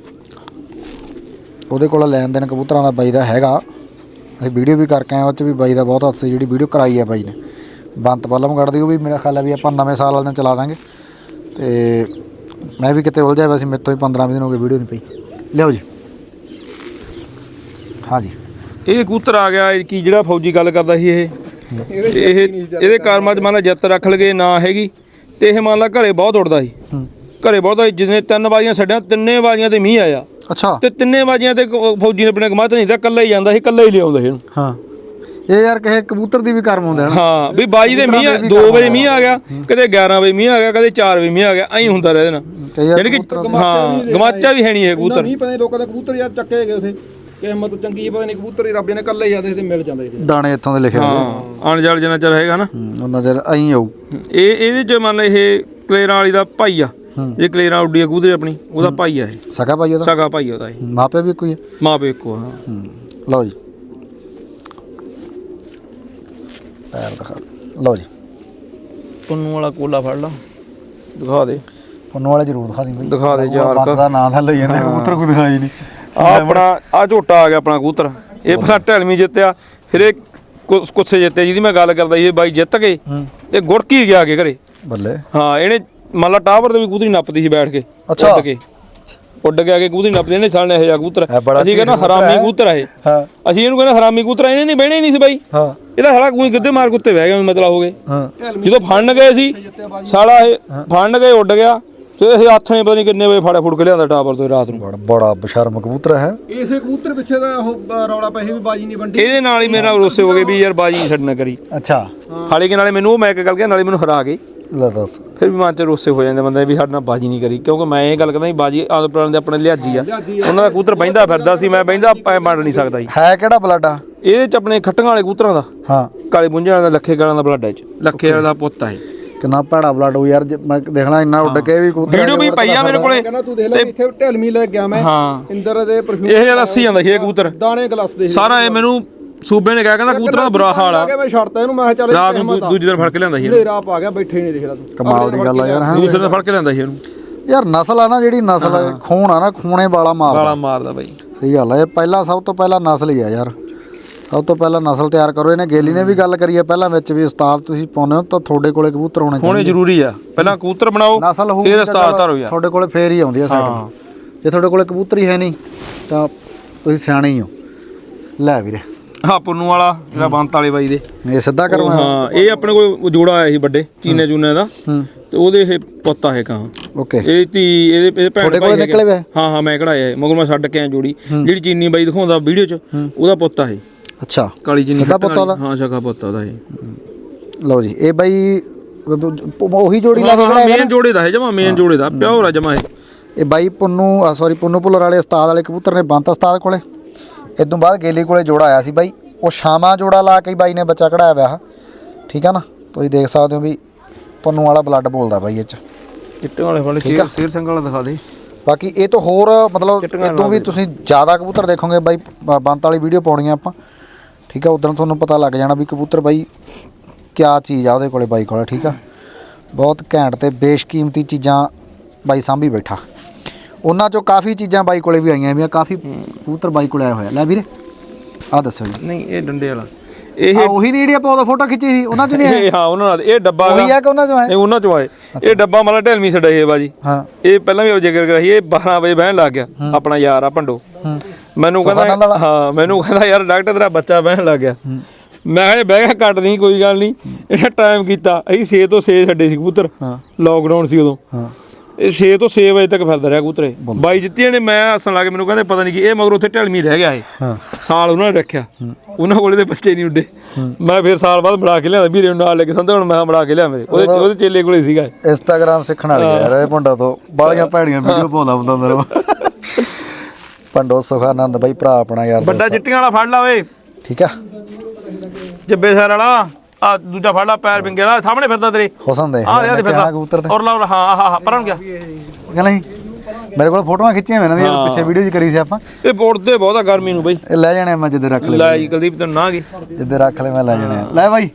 ਉਹਦੇ ਕੋਲ ਲੈਣ ਦੇਣ ਕਬੂਤਰਾਂ ਦਾ ਬਾਈ ਦਾ ਹੈਗਾ। ਅਸੀਂ ਵੀਡੀਓ ਵੀ ਕਰਕੇ ਆਏ ਉਹ 'ਚ ਵੀ ਬਾਈ ਦਾ ਬਹੁਤ ਹੱਥ ਸੀ। ਜਿਹੜੀ ਵੀਡੀਓ ਕਰਾਈ ਹੈ ਬਾਈ ਨੇ ਬੰਤ ਬੱਲ ਮਗੜ ਦੀ ਉਹ ਵੀ ਮੇਰਾ ਖਿਆਲ ਹੈ ਵੀ ਆਪਾਂ ਨਵੇਂ ਸਾਲ ਵਾਲੇ ਦਿਨ ਚਲਾ ਦਾਂਗੇ। ਤੇ ਮੈਂ ਵੀ ਕਿਤੇ ਉਲਝਿਆ ਵੈਸੇ ਮੇਰੇ ਤੋਂ ਵੀ ਪੰਦਰਾਂ ਵੀਹ ਦਿਨ ਹੋ ਗਏ ਵੀਡੀਓ ਨਹੀਂ ਪਈ। ਲਿਆਓ ਜੀ ਹਾਂਜੀ ਇਹ ਕਬੂਤਰ ਆ ਗਿਆ ਕੀ ਜਿਹੜਾ ਫੌਜੀ ਗੱਲ ਕਰਦਾ ਸੀ ਇਹ ਇਹ ਇਹਦੇ ਕਰਮਾਂ 'ਚ ਮੰਨ ਲਾ ਜਿੱਤ ਰੱਖ ਲਗੇ ਨਾ ਹੈਗੀ ਤੇ ਇਹ ਮੰਨ ਲਾ ਘਰੇ ਬਹੁਤ ਉੱਡਦਾ ਸੀ ਘਰੇ ਬਹੁਤ ਜਿੰਨੇ ਤਿੰਨ ਬਾਜ਼ੀਆਂ ਛੱਡਿਆ ਤਿੰਨੇ ਬਾਜ਼ੀਆਂ ਤੇ ਮੀਂਹ ਆਇਆ ਅੱਛਾ ਤੇ ਤਿੰਨੇ ਬਾਜ਼ੀਆਂ ਤੇ ਫੌਜੀ ਨੇ ਆਪਣੇ ਕਮਾਤ ਨਹੀਂ ਤਾਂ ਇਕੱਲਾ ਹੀ ਜਾਂਦਾ ਸੀ ਇਕੱਲਾ ਹੀ ਲਿਆਉਂਦਾ ਸੀ ਇਹਨੂੰ ਹਾਂ ਇਹ ਯਾਰ ਕਿਸੇ ਕਬੂਤਰ ਦੀ ਵੀ ਕਰਮ ਹੁੰਦੇ ਹਨ ਹਾਂ ਵੀ ਬਾਜੀ ਦੇ ਮੀਂਹ ਦੋ ਵਜੇ ਮੀਂਹ ਆ ਗਿਆ ਕਦੇ ਗਿਆਰਾਂ ਵਜੇ ਮੀਂਹ ਆ ਗਿਆ ਕਦੇ ਚਾਰ ਵਜੇ ਮੀਂਹ ਆ ਗਿਆ ਐਂ ਹੁੰਦਾ ਰਿਹਾ ਇਹਦੇ ਨਾਲ ਯਾਨੀ ਕਿ ਹਾਂ ਗਮਾਚਾ ਵੀ ਹੈ ਨਹੀਂ ਇਹ ਕਬੂਤਰ ਨਹੀਂ ਪਤਾ ਲੋਕਾਂ ਦੇ ਕਬੂਤਰ ਯਾਰ ਚੱਕੇ ਗਏ ਉਥੇ ਕਿਸਮਤ ਚੰਗੀ ਪਤਾ ਨਹੀਂ ਕਬੂਤਰ ਹੀ ਰੱਬ ਨੇ ਇਕੱਲੇ ਜਾਂਦੇ ਤੇ ਮਿਲ ਜਾਂਦੇ ਦਾਣੇ ਇੱਥੋਂ ਦੇ ਲਿਖੇ ਹਾਂ ਅਣਜਲ ਜਿੰਨਾ ਚਿਰ ਹੈਗਾ ਨਾ ਉਹਨਾਂ ਚਿਰ ਐਂ ਆਊ ਇਹ ਇਹਦੇ ਚ ਮੰਨ ਲਾ ਇਹ ਕਲੇਰਾਂ ਵਾਲੀ ਦਾ ਭਾਈ ਆ ਇਹ ਕਲੇਰਾਂ ਉੱਡੀ ਆ ਕਬੂਤਰ ਆਪਣੀ ਉਹਦਾ ਭਾਈ ਆ ਇਹ ਸਕਾ ਭਾਈ ਉਹਦਾ ਸਕਾ ਭਾਈ ਉਹਦਾ ਇਹ ਮਾਪੇ ਵੀ ਕੋਈ ਹੈ ਮਾਂ ਪਿਓ ਇੱਕੋ ਹਾਂ ਲਓ ਜੀ ਪੈਰ ਦਿਖਾ ਲਓ ਜੀ ਪੁੰਨੂ ਵਾਲਾ ਕੋਲਾ ਫੜ ਲਾ ਦਿਖਾ ਦੇ ਪੁੰਨੂ ਵਾਲਾ ਜ਼ਰੂਰ ਦਿਖਾ ਦੀ ਬਈ ਦਿਖਾ ਦੇ ਯਾਰ ਦਾ ਨਾਂ ਤਾਂ ਲਈ ਜਾਂਦੇ ਕਬੂਤਰ ਕੋਈ ਦਿਖਾਈ ਨਹੀਂ ਆ ਆਪਣਾ ਆ ਝੋਟਾ ਆ ਗਿਆ ਆਪਣਾ ਕਬੂਤਰ ਇਹ ਫਸਾ ਢਲਵੀਂ ਜਿੱਤਿਆ ਫਿਰ ਇਹ ਕੁੱਸੇ ਜਿੱਤਿਆ ਜਿਹਦੀ ਮੈਂ ਗੱਲ ਕਰਦਾ ਸੀ ਇਹ ਬਾਈ ਜਿੱਤ ਗਏ ਇਹ ਗੁੜਕੀ ਗਿਆ ਕੇ ਘਰੇ ਬੱਲੇ ਹਾਂ ਇਹਨੇ ਮੰਨ ਲਾ ਟਾਵਰ ਤੇ ਵੀ ਕਬੂਤਰੀ ਨੱਪਦੀ ਸੀ ਬੈਠ ਕੇ ਉੱਡ ਕੇ ਉੱਡ ਕੇ ਆ ਕੇ ਕਬੂਤਰੀ ਨੱਪਦੇ ਨੇ ਸਾਲਨੇ ਇਹ ਜਿਹਾ ਕਬੂਤਰ ਅਸੀਂ ਕਹਿੰਦਾ ਹਰਾਮੀ ਕਬੂਤਰ ਆ ਇਹ ਅਸੀਂ ਇਹਨੂੰ ਕਹਿੰਦਾ ਹਰਾਮੀ ਕਬੂਤਰ ਇਹਨੇ ਨਹੀਂ ਬਹਿਣੇ ਨਹੀਂ ਸੀ ਬਾਈ ਇਹਦਾ ਸਾਲਾ ਕੋਈ ਗਿੱਧੇ ਮਾਰ ਕੁੱਤੇ ਬਹਿ ਗਿਆ ਮਤਲਬ ਹੋ ਗਏ ਜਦੋਂ ਫੜਨ ਗਏ ਸੀ ਸਾਲਾ ਇਹ ਫੜਨ ਗਏ ਉੱਡ ਗਿਆ ਤੇ ਇਹ ਹੱਥ ਨੇ ਪਤਾ ਨਹੀਂ ਕਿੰਨੇ ਵਜੇ ਫਾੜਾ ਫੁੜ ਕੇ ਲਿਆਂਦਾ ਟਾਵਰ ਤੋਂ ਰਾਤ ਨੂੰ ਬੜਾ ਬੜਾ ਬਸ਼ਰਮ ਕਬੂਤਰ ਹੈ ਇਸੇ ਕਬੂਤਰ ਪਿੱਛੇ ਦਾ ਉਹ ਰੌਲਾ ਪਏ ਵੀ ਬਾਜੀ ਨਹੀਂ ਵੰਡੀ ਇਹਦੇ ਨਾਲ ਹੀ ਮੇਰੇ ਨਾਲ ਰੋਸੇ ਹੋ ਗਏ ਵੀ ਯਾਰ ਬਾਜੀ ਨਹੀਂ ਛੱਡਣਾ ਕਰੀ ਅੱਛਾ ਹਾਲੇ ਕਿ ਨਾਲੇ ਮੈਨੂੰ ਉਹ ਮੈਂ ਇੱਕ ਗੱਲ ਕਿਹਾ ਨਾਲੇ ਮੈਨੂੰ ਹਰਾ ਗਏ ਲੈ ਦੱਸ ਫਿਰ ਵੀ ਮਨ ਚ ਰੋਸੇ ਹੋ ਜਾਂਦੇ ਬੰਦੇ ਵੀ ਸਾਡੇ ਨਾਲ ਬਾਜੀ ਨਹੀਂ ਕਰੀ ਕਿਉਂਕਿ ਮੈਂ ਇਹ ਗੱਲ ਕਹਿੰਦਾ ਸੀ ਬਾਜੀ ਆਦਤ ਪੁਰਾਣੇ ਦੇ ਆਪਣੇ ਲਿਹਾਜੀ ਆ ਉਹਨਾਂ ਦਾ ਕਬੂਤਰ ਬਹਿੰਦਾ ਫਿਰਦਾ ਸੀ ਮੈਂ ਬਹਿੰਦਾ ਪੈ ਮੰਨ ਨਹੀਂ ਸਕਦਾ ਜੀ ਹੈ ਕਿਹੜਾ ਬਲੱਡ ਆ ਇਹਦੇ ਚ ਆਪਣੇ ਖੱਟੀਆਂ ਵਾਲੇ ਕਬੂਤਰਾਂ ਦਾ ਹਾਂ ਕਾਲੇ ਪੁੰਝਾਂ ਦਾ ਲੱਖੇ ਗਾਲਾਂ ਦਾ ਬਲੱਡ ਹੈ ਚ ਲੱਖੇ ਵਾਲੇ ਦਾ ਪੁੱਤ ਹੈ ਕਿੰਨਾ ਭੈੜਾ ਬਲੱਡ ਹੋ ਯਾਰ ਮੈਂ ਦੇਖਣਾ ਇੰਨਾ ਉੱਡ ਕੇ ਵੀ ਕਬੂਤਰ ਵੀਡੀਓ ਵੀ ਪਈ ਆ ਮੇਰੇ ਕੋਲੇ ਕਹਿੰਦਾ ਤੂੰ ਦੇਖ ਲੈ ਇੱਥੇ ਢਲਮੀ ਲੈ ਗਿਆ ਮੈਂ ਇੰਦਰ ਦੇ ਪਰਫਿਊਮ ਇਹ ਯਾਰ ਅੱਸੀ ਜਾਂਦਾ ਸੀ ਇਹ ਕਬੂਤਰ ਦਾਣੇ ਗਲਾਸ ਦੇ ਸਾਰਾ ਇਹ ਮੈਨੂੰ ਸੂਬੇ ਨੇ ਕਿਹਾ ਕਹਿੰਦਾ ਕਬੂਤਰਾਂ ਦਾ ਬੁਰਾ ਹਾਲ ਆ ਮੈਂ ਛੱਡਤਾ ਇਹਨੂੰ ਮੈਂ ਚੱਲ ਰਾਤ ਨੂੰ ਦੂਜੀ ਦਿਨ ਫੜ ਕੇ ਲਿਆਂਦਾ ਸੀ ਹਨੇਰਾ ਪਾ ਗਿਆ ਬੈਠੇ ਨਹੀਂ ਦੇਖ ਲੈ ਤੂੰ ਕਮਾਲ ਦੀ ਗੱਲ ਆ ਯਾਰ ਹਾਂ ਦੂਸਰੇ ਦਿਨ ਫੜ ਕੇ ਲਿਆਂਦਾ ਸੀ ਇਹਨੂੰ ਯਾਰ ਨਸਲ ਆ ਨਾ ਜਿਹੜੀ ਨਸਲ ਹੈ ਖੂਨ ਆ ਨਾ ਖੂਨੇ ਵਾਲਾ ਮਾਰਦਾ ਵਾਲਾ ਮਾਰਦਾ ਬਾਈ ਸਹੀ ਗੱਲ ਆ ਇਹ ਪਹਿਲਾਂ ਸਭ ਤੋਂ ਪਹਿਲਾਂ ਨਸਲ ਹੀ ਆ ਯਾਰ ਸਭ ਤੋਂ ਪਹਿਲਾਂ ਨਸਲ ਤਿਆਰ ਕਰੋ ਇਹਨੇ ਗੇਲੀ ਨੇ ਵੀ ਗੱਲ ਕਰੀ ਆ ਪਹਿਲਾਂ ਵਿੱਚ ਵੀ ਉਸਤਾਦ ਤੁਸੀਂ ਪਾਉਨੇ ਹੋ ਤਾਂ ਤੁਹਾਡੇ ਕੋਲੇ ਕਬੂਤਰ ਹੋਣੇ ਚਾਹੀਦੇ ਹੋਣੇ ਜ਼ਰੂਰੀ ਆ ਪਹਿਲਾਂ ਕਬੂਤਰ ਬਣਾਓ ਨਸਲ ਹੋਊ ਫਿਰ ਉਸਤਾਦ ਧਾਰੋ ਯਾਰ ਤੁਹਾਡੇ ਕੋਲੇ ਫੇਰ ਹੀ ਆਉਂਦੀ ਆ ਸਾਡੀ ਜੇ ਤੁਹਾਡੇ ਕੋਲੇ ਕਬੂਤਰ ਹੀ ਹੈ ਨਹੀਂ ਤਾਂ ਤੁਸੀਂ ਸਿਆਣੇ ਹੀ ਹੋ ਲੈ ਵੀਰੇ ਹਾਂ ਪੁੰਨੂ ਵਾਲਾ ਜਿਹੜਾ ਬੰਤ ਵਾਲੇ ਬਾਈ ਦੇ ਇਹ ਸਿੱਧਾ ਕਰਵਾ ਹਾਂ ਇਹ ਆਪਣੇ ਕੋਲ ਜੋੜਾ ਆਇਆ ਸੀ ਵੱਡੇ ਚੀਨੇ ਚੂਨੇ ਦਾ ਤੇ ਉਹਦੇ ਇਹ ਪੁੱਤ ਆ ਇਹ ਕਾਂ ਓਕੇ ਇਹ ਧੀ ਇਹਦੇ ਭੈਣ ਭਾਈ ਨਿਕਲੇ ਵੇ ਹਾਂ ਹਾਂ ਮੈਂ ਕਢਾਇਆ ਮਗਰ ਮੈਂ ਛੱਡ ਕੇ ਆ ਜੋੜੀ ਜਿਹੜੀ ਚੀਨੀ ਬਾਈ ਦਿਖਾਉਂਦਾ ਵੀਡੀਓ 'ਚ ਉਹਦਾ ਪੁੱਤ ਆ ਇਹ ਅੱਛਾ ਕਾਲੀ ਚੀਨੀ ਸਗਾ ਪੁੱਤ ਉਹਦਾ ਹਾਂ ਸਗਾ ਪੁੱਤ ਉਹਦਾ ਇਹ ਲਓ ਜੀ ਇਹ ਬਾਈ ਉਹੀ ਜੋੜੀ ਲਾ ਕੇ ਹਾਂ ਮੇਨ ਜੋੜੇ ਦਾ ਹੈ ਜਮਾ ਮੇਨ ਜੋੜੇ ਦਾ ਪਿਓਰ ਆ ਜਮਾ ਇਹ ਇਹ ਬਾਈ ਪੁੰਨੂ ਸੌਰੀ ਪੁੰਨੂ ਭੁੱਲਰ ਵਾਲੇ ਉਸਤਾਦ ਵਾਲੇ ਕਬੂਤਰ ਨੇ ਬੰਤ ਉਸਤਾਦ ਕੋਲੇ ਇਦੋਂ ਬਾਅਦ ਗੇਲੀ ਕੋਲੇ ਜੋੜਾ ਆਇਆ ਸੀ ਬਾਈ ਉਹ ਸ਼ਾਮਾ ਜੋੜਾ ਲਾ ਕੇ ਬਾਈ ਨੇ ਬੱਚਾ ਕਢਾਇਆ ਹੋਇਆ ਠੀਕ ਆ ਨਾ ਤੁਸੀਂ ਦੇਖ ਸਕਦੇ ਹੋ ਵੀ ਪੁੰਨੂ ਵਾਲਾ ਬਲੱਡ ਬੋਲਦਾ ਬਾਈ ਇਹ ਚ ਚਿੱਟੇ ਵਾਲੇ ਵਾਲੇ ਸ਼ੇਰ ਸ਼ੇਰ ਸਿੰਘ ਵਾਲਾ ਦਿਖਾ ਦੇ ਬਾਕੀ ਇਹ ਤੋਂ ਹੋਰ ਮਤਲਬ ਇਦੋਂ ਵੀ ਤੁਸੀਂ ਜ਼ਿਆਦਾ ਕਬੂਤਰ ਦੇਖੋਗੇ ਬਾਈ ਬੰਤ ਵਾਲੀ ਵੀਡੀਓ ਪਾਉਣੀ ਆ ਆਪਾਂ ਠੀਕ ਆ ਉਦੋਂ ਤੁਹਾਨੂੰ ਪਤਾ ਲੱਗ ਜਾਣਾ ਵੀ ਕਬੂਤਰ ਬਾਈ ਕਿਆ ਚੀਜ਼ ਆ ਉਹਦੇ ਕੋਲੇ ਬਾਈ ਕੋਲੇ ਠੀਕ ਆ ਬਹੁਤ ਘੈਂਟ ਤੇ ਬੇਸ਼ਕੀਮਤੀ ਚੀਜ਼ਾਂ ਬਾਈ ਸਾਂਭੀ ਬੈਠਾ ਉਹਨਾਂ ਚੋਂ ਕਾਫੀ ਚੀਜ਼ਾਂ ਬਾਈ ਕੋਲੇ ਵੀ ਆਈਆਂ ਵੀ ਕਾਫੀ ਕਬੂਤਰ ਬਾਈ ਕੋਲੇ ਆਇਆ ਹੋਇਆ ਲੈ ਵੀਰੇ ਆ ਦੱਸੋ ਜੀ ਨਹੀਂ ਇਹ ਡੰਡੇ ਵਾਲਾ ਇਹ ਉਹੀ ਨਹੀਂ ਜਿਹੜੀ ਆਪਾਂ ਉਹਦਾ ਫੋਟੋ ਖਿੱਚੀ ਸੀ ਉਹਨਾਂ ਚੋਂ ਨਹੀਂ ਹੈ ਹਾਂ ਉਹਨਾਂ ਨਾਲ ਇਹ ਡੱਬਾ ਉਹੀ ਆ ਕਿ ਉਹਨਾਂ ਚੋਂ ਹੈ ਇਹ ਉਹਨਾਂ ਚੋਂ ਆਏ ਇਹ ਡੱਬਾ ਮਤਲਬ ਢਲਮੀ ਛੱਡਿਆ ਇਹ ਬਾਜੀ ਹਾਂ ਇਹ ਪਹਿਲਾਂ ਵੀ ਉਹ ਜ਼ਿਕਰ ਕਰਾਈ ਇਹ ਬਾਰਾਂ ਵਜੇ ਬਹਿਣ ਲੱਗ ਗਿਆ ਆਪਣਾ ਯਾਰ ਆ ਭੰਡੋ ਮੈਨੂੰ ਕਹਿੰਦਾ ਹਾਂ ਮੈਨੂੰ ਕਹਿੰਦਾ ਯਾਰ ਡਾਕਟਰ ਤੇਰਾ ਬੱਚਾ ਬਹਿਣ ਲੱਗ ਗਿਆ ਮੈਂ ਕਿਹਾ ਬਹਿ ਗਿਆ ਕੱਟ ਨਹੀਂ ਕੋਈ ਗੱਲ ਨਹੀਂ ਇਹਨੇ ਟਾਈਮ ਕੀਤਾ ਅਸੀਂ ਛੇ ਤੋਂ ਛੇ ਛੱਡੇ ਸੀ ਕਬੂਤਰ ਲੋਕਡਾਊਨ ਸੀ ਉਦੋਂ ਇਹ ਛੇ ਤੋਂ ਛੇ ਵਜੇ ਤੱਕ ਫਿਰਦਾ ਰਿਹਾ ਕਬੂਤਰੇ ਬਾਈ ਜਿੱਤੀਆਂ ਨੇ ਮੈਂ ਹੱਸਣ ਲੱਗ ਮੈਨੂੰ ਕਹਿੰਦੇ ਪਤਾ ਨਹੀਂ ਕੀ ਇਹ ਮਗਰ ਉੱਥੇ ਢਲਮੀ ਰਹਿ ਗਿਆ ਇਹ ਸਾਲ ਉਹਨਾਂ ਨੇ ਰੱਖਿਆ ਉਹਨਾਂ ਕੋਲੇ ਦੇ ਬੱਚੇ ਨਹੀਂ ਉੱਡੇ ਮੈਂ ਫਿਰ ਸਾਲ ਬਾਅਦ ਬਣਾ ਕੇ ਲਿਆਂਦਾ ਵੀਰੇ ਨੂੰ ਨਾਲ ਲੈ ਕੇ ਸੰਦੇ ਹੁਣ ਮੈਂ ਬਣਾ ਕੇ ਲਿਆ ਮੇਰੇ ਉਹਦੇ ਉਹਦੇ ਚੇਲੇ ਕੋਲੇ ਸੀਗਾ ਇੰਸਟਾਗ੍ਰਾਮ ਸਿੱਖਣ ਵਾਲੀ ਯਾਰ ਇਹ ਭੰਡਾ ਤੋਂ ਬਾਲੀਆਂ ਭੈੜੀਆਂ ਵੀਡੀਓ ਪਾਉਂਦਾ ਹੁੰਦਾ ਮੇਰਾ ਭੰਡੋ ਸੁਖਾਨੰਦ ਬਾਈ ਭਰਾ ਆਪਣਾ ਯਾਰ ਵੱਡਾ ਚਿੱਟੀਆਂ ਵਾਲਾ ਫੜ ਲਾ ਓਏ ਠੀਕ ਆ ਜੱਬੇ ਸਰ ਵਾਲਾ ਆ ਦੂਜਾ ਫੜ ਲਾ ਪੈਰ ਵਿੰਗੇ ਵਾਲਾ ਸਾਹਮਣੇ ਫਿਰਦਾ ਤੇਰੇ ਹੁਸਨ ਦੇ ਆ ਯਾਰ ਫਿਰਦਾ ਕਬੂਤਰ ਤੇ ਔਰ ਲਾ ਹਾਂ ਹਾਂ ਹਾਂ ਪਰਾਂ ਗਿਆ ਕਹਿੰਦਾ ਨਹੀਂ ਮੇਰੇ ਕੋਲ ਫੋਟੋਆਂ ਖਿੱਚੀਆਂ ਮੈਂ ਇਹਨਾਂ ਦੀਆਂ ਪਿੱਛੇ ਵੀਡੀਓ 'ਚ ਕਰੀ ਸੀ ਆਪਾਂ ਇਹ ਬੋੜਦੇ ਬਹੁਤ ਆ ਗਰਮੀ ਨੂੰ ਬਈ ਇਹ ਲੈ ਜਾਣੇ ਮੈਂ ਜਿੱਦੇ ਰੱਖ ਲੈ ਲੈ ਜੀ ਕੁਲਦੀਪ ਤੈਨੂੰ ਨਾ ਗਈ ਜਿੱਦੇ ਰੱਖ ਲੈ ਮੈਂ ਲੈ ਜਾਣੇ ਲੈ ਬਾਈ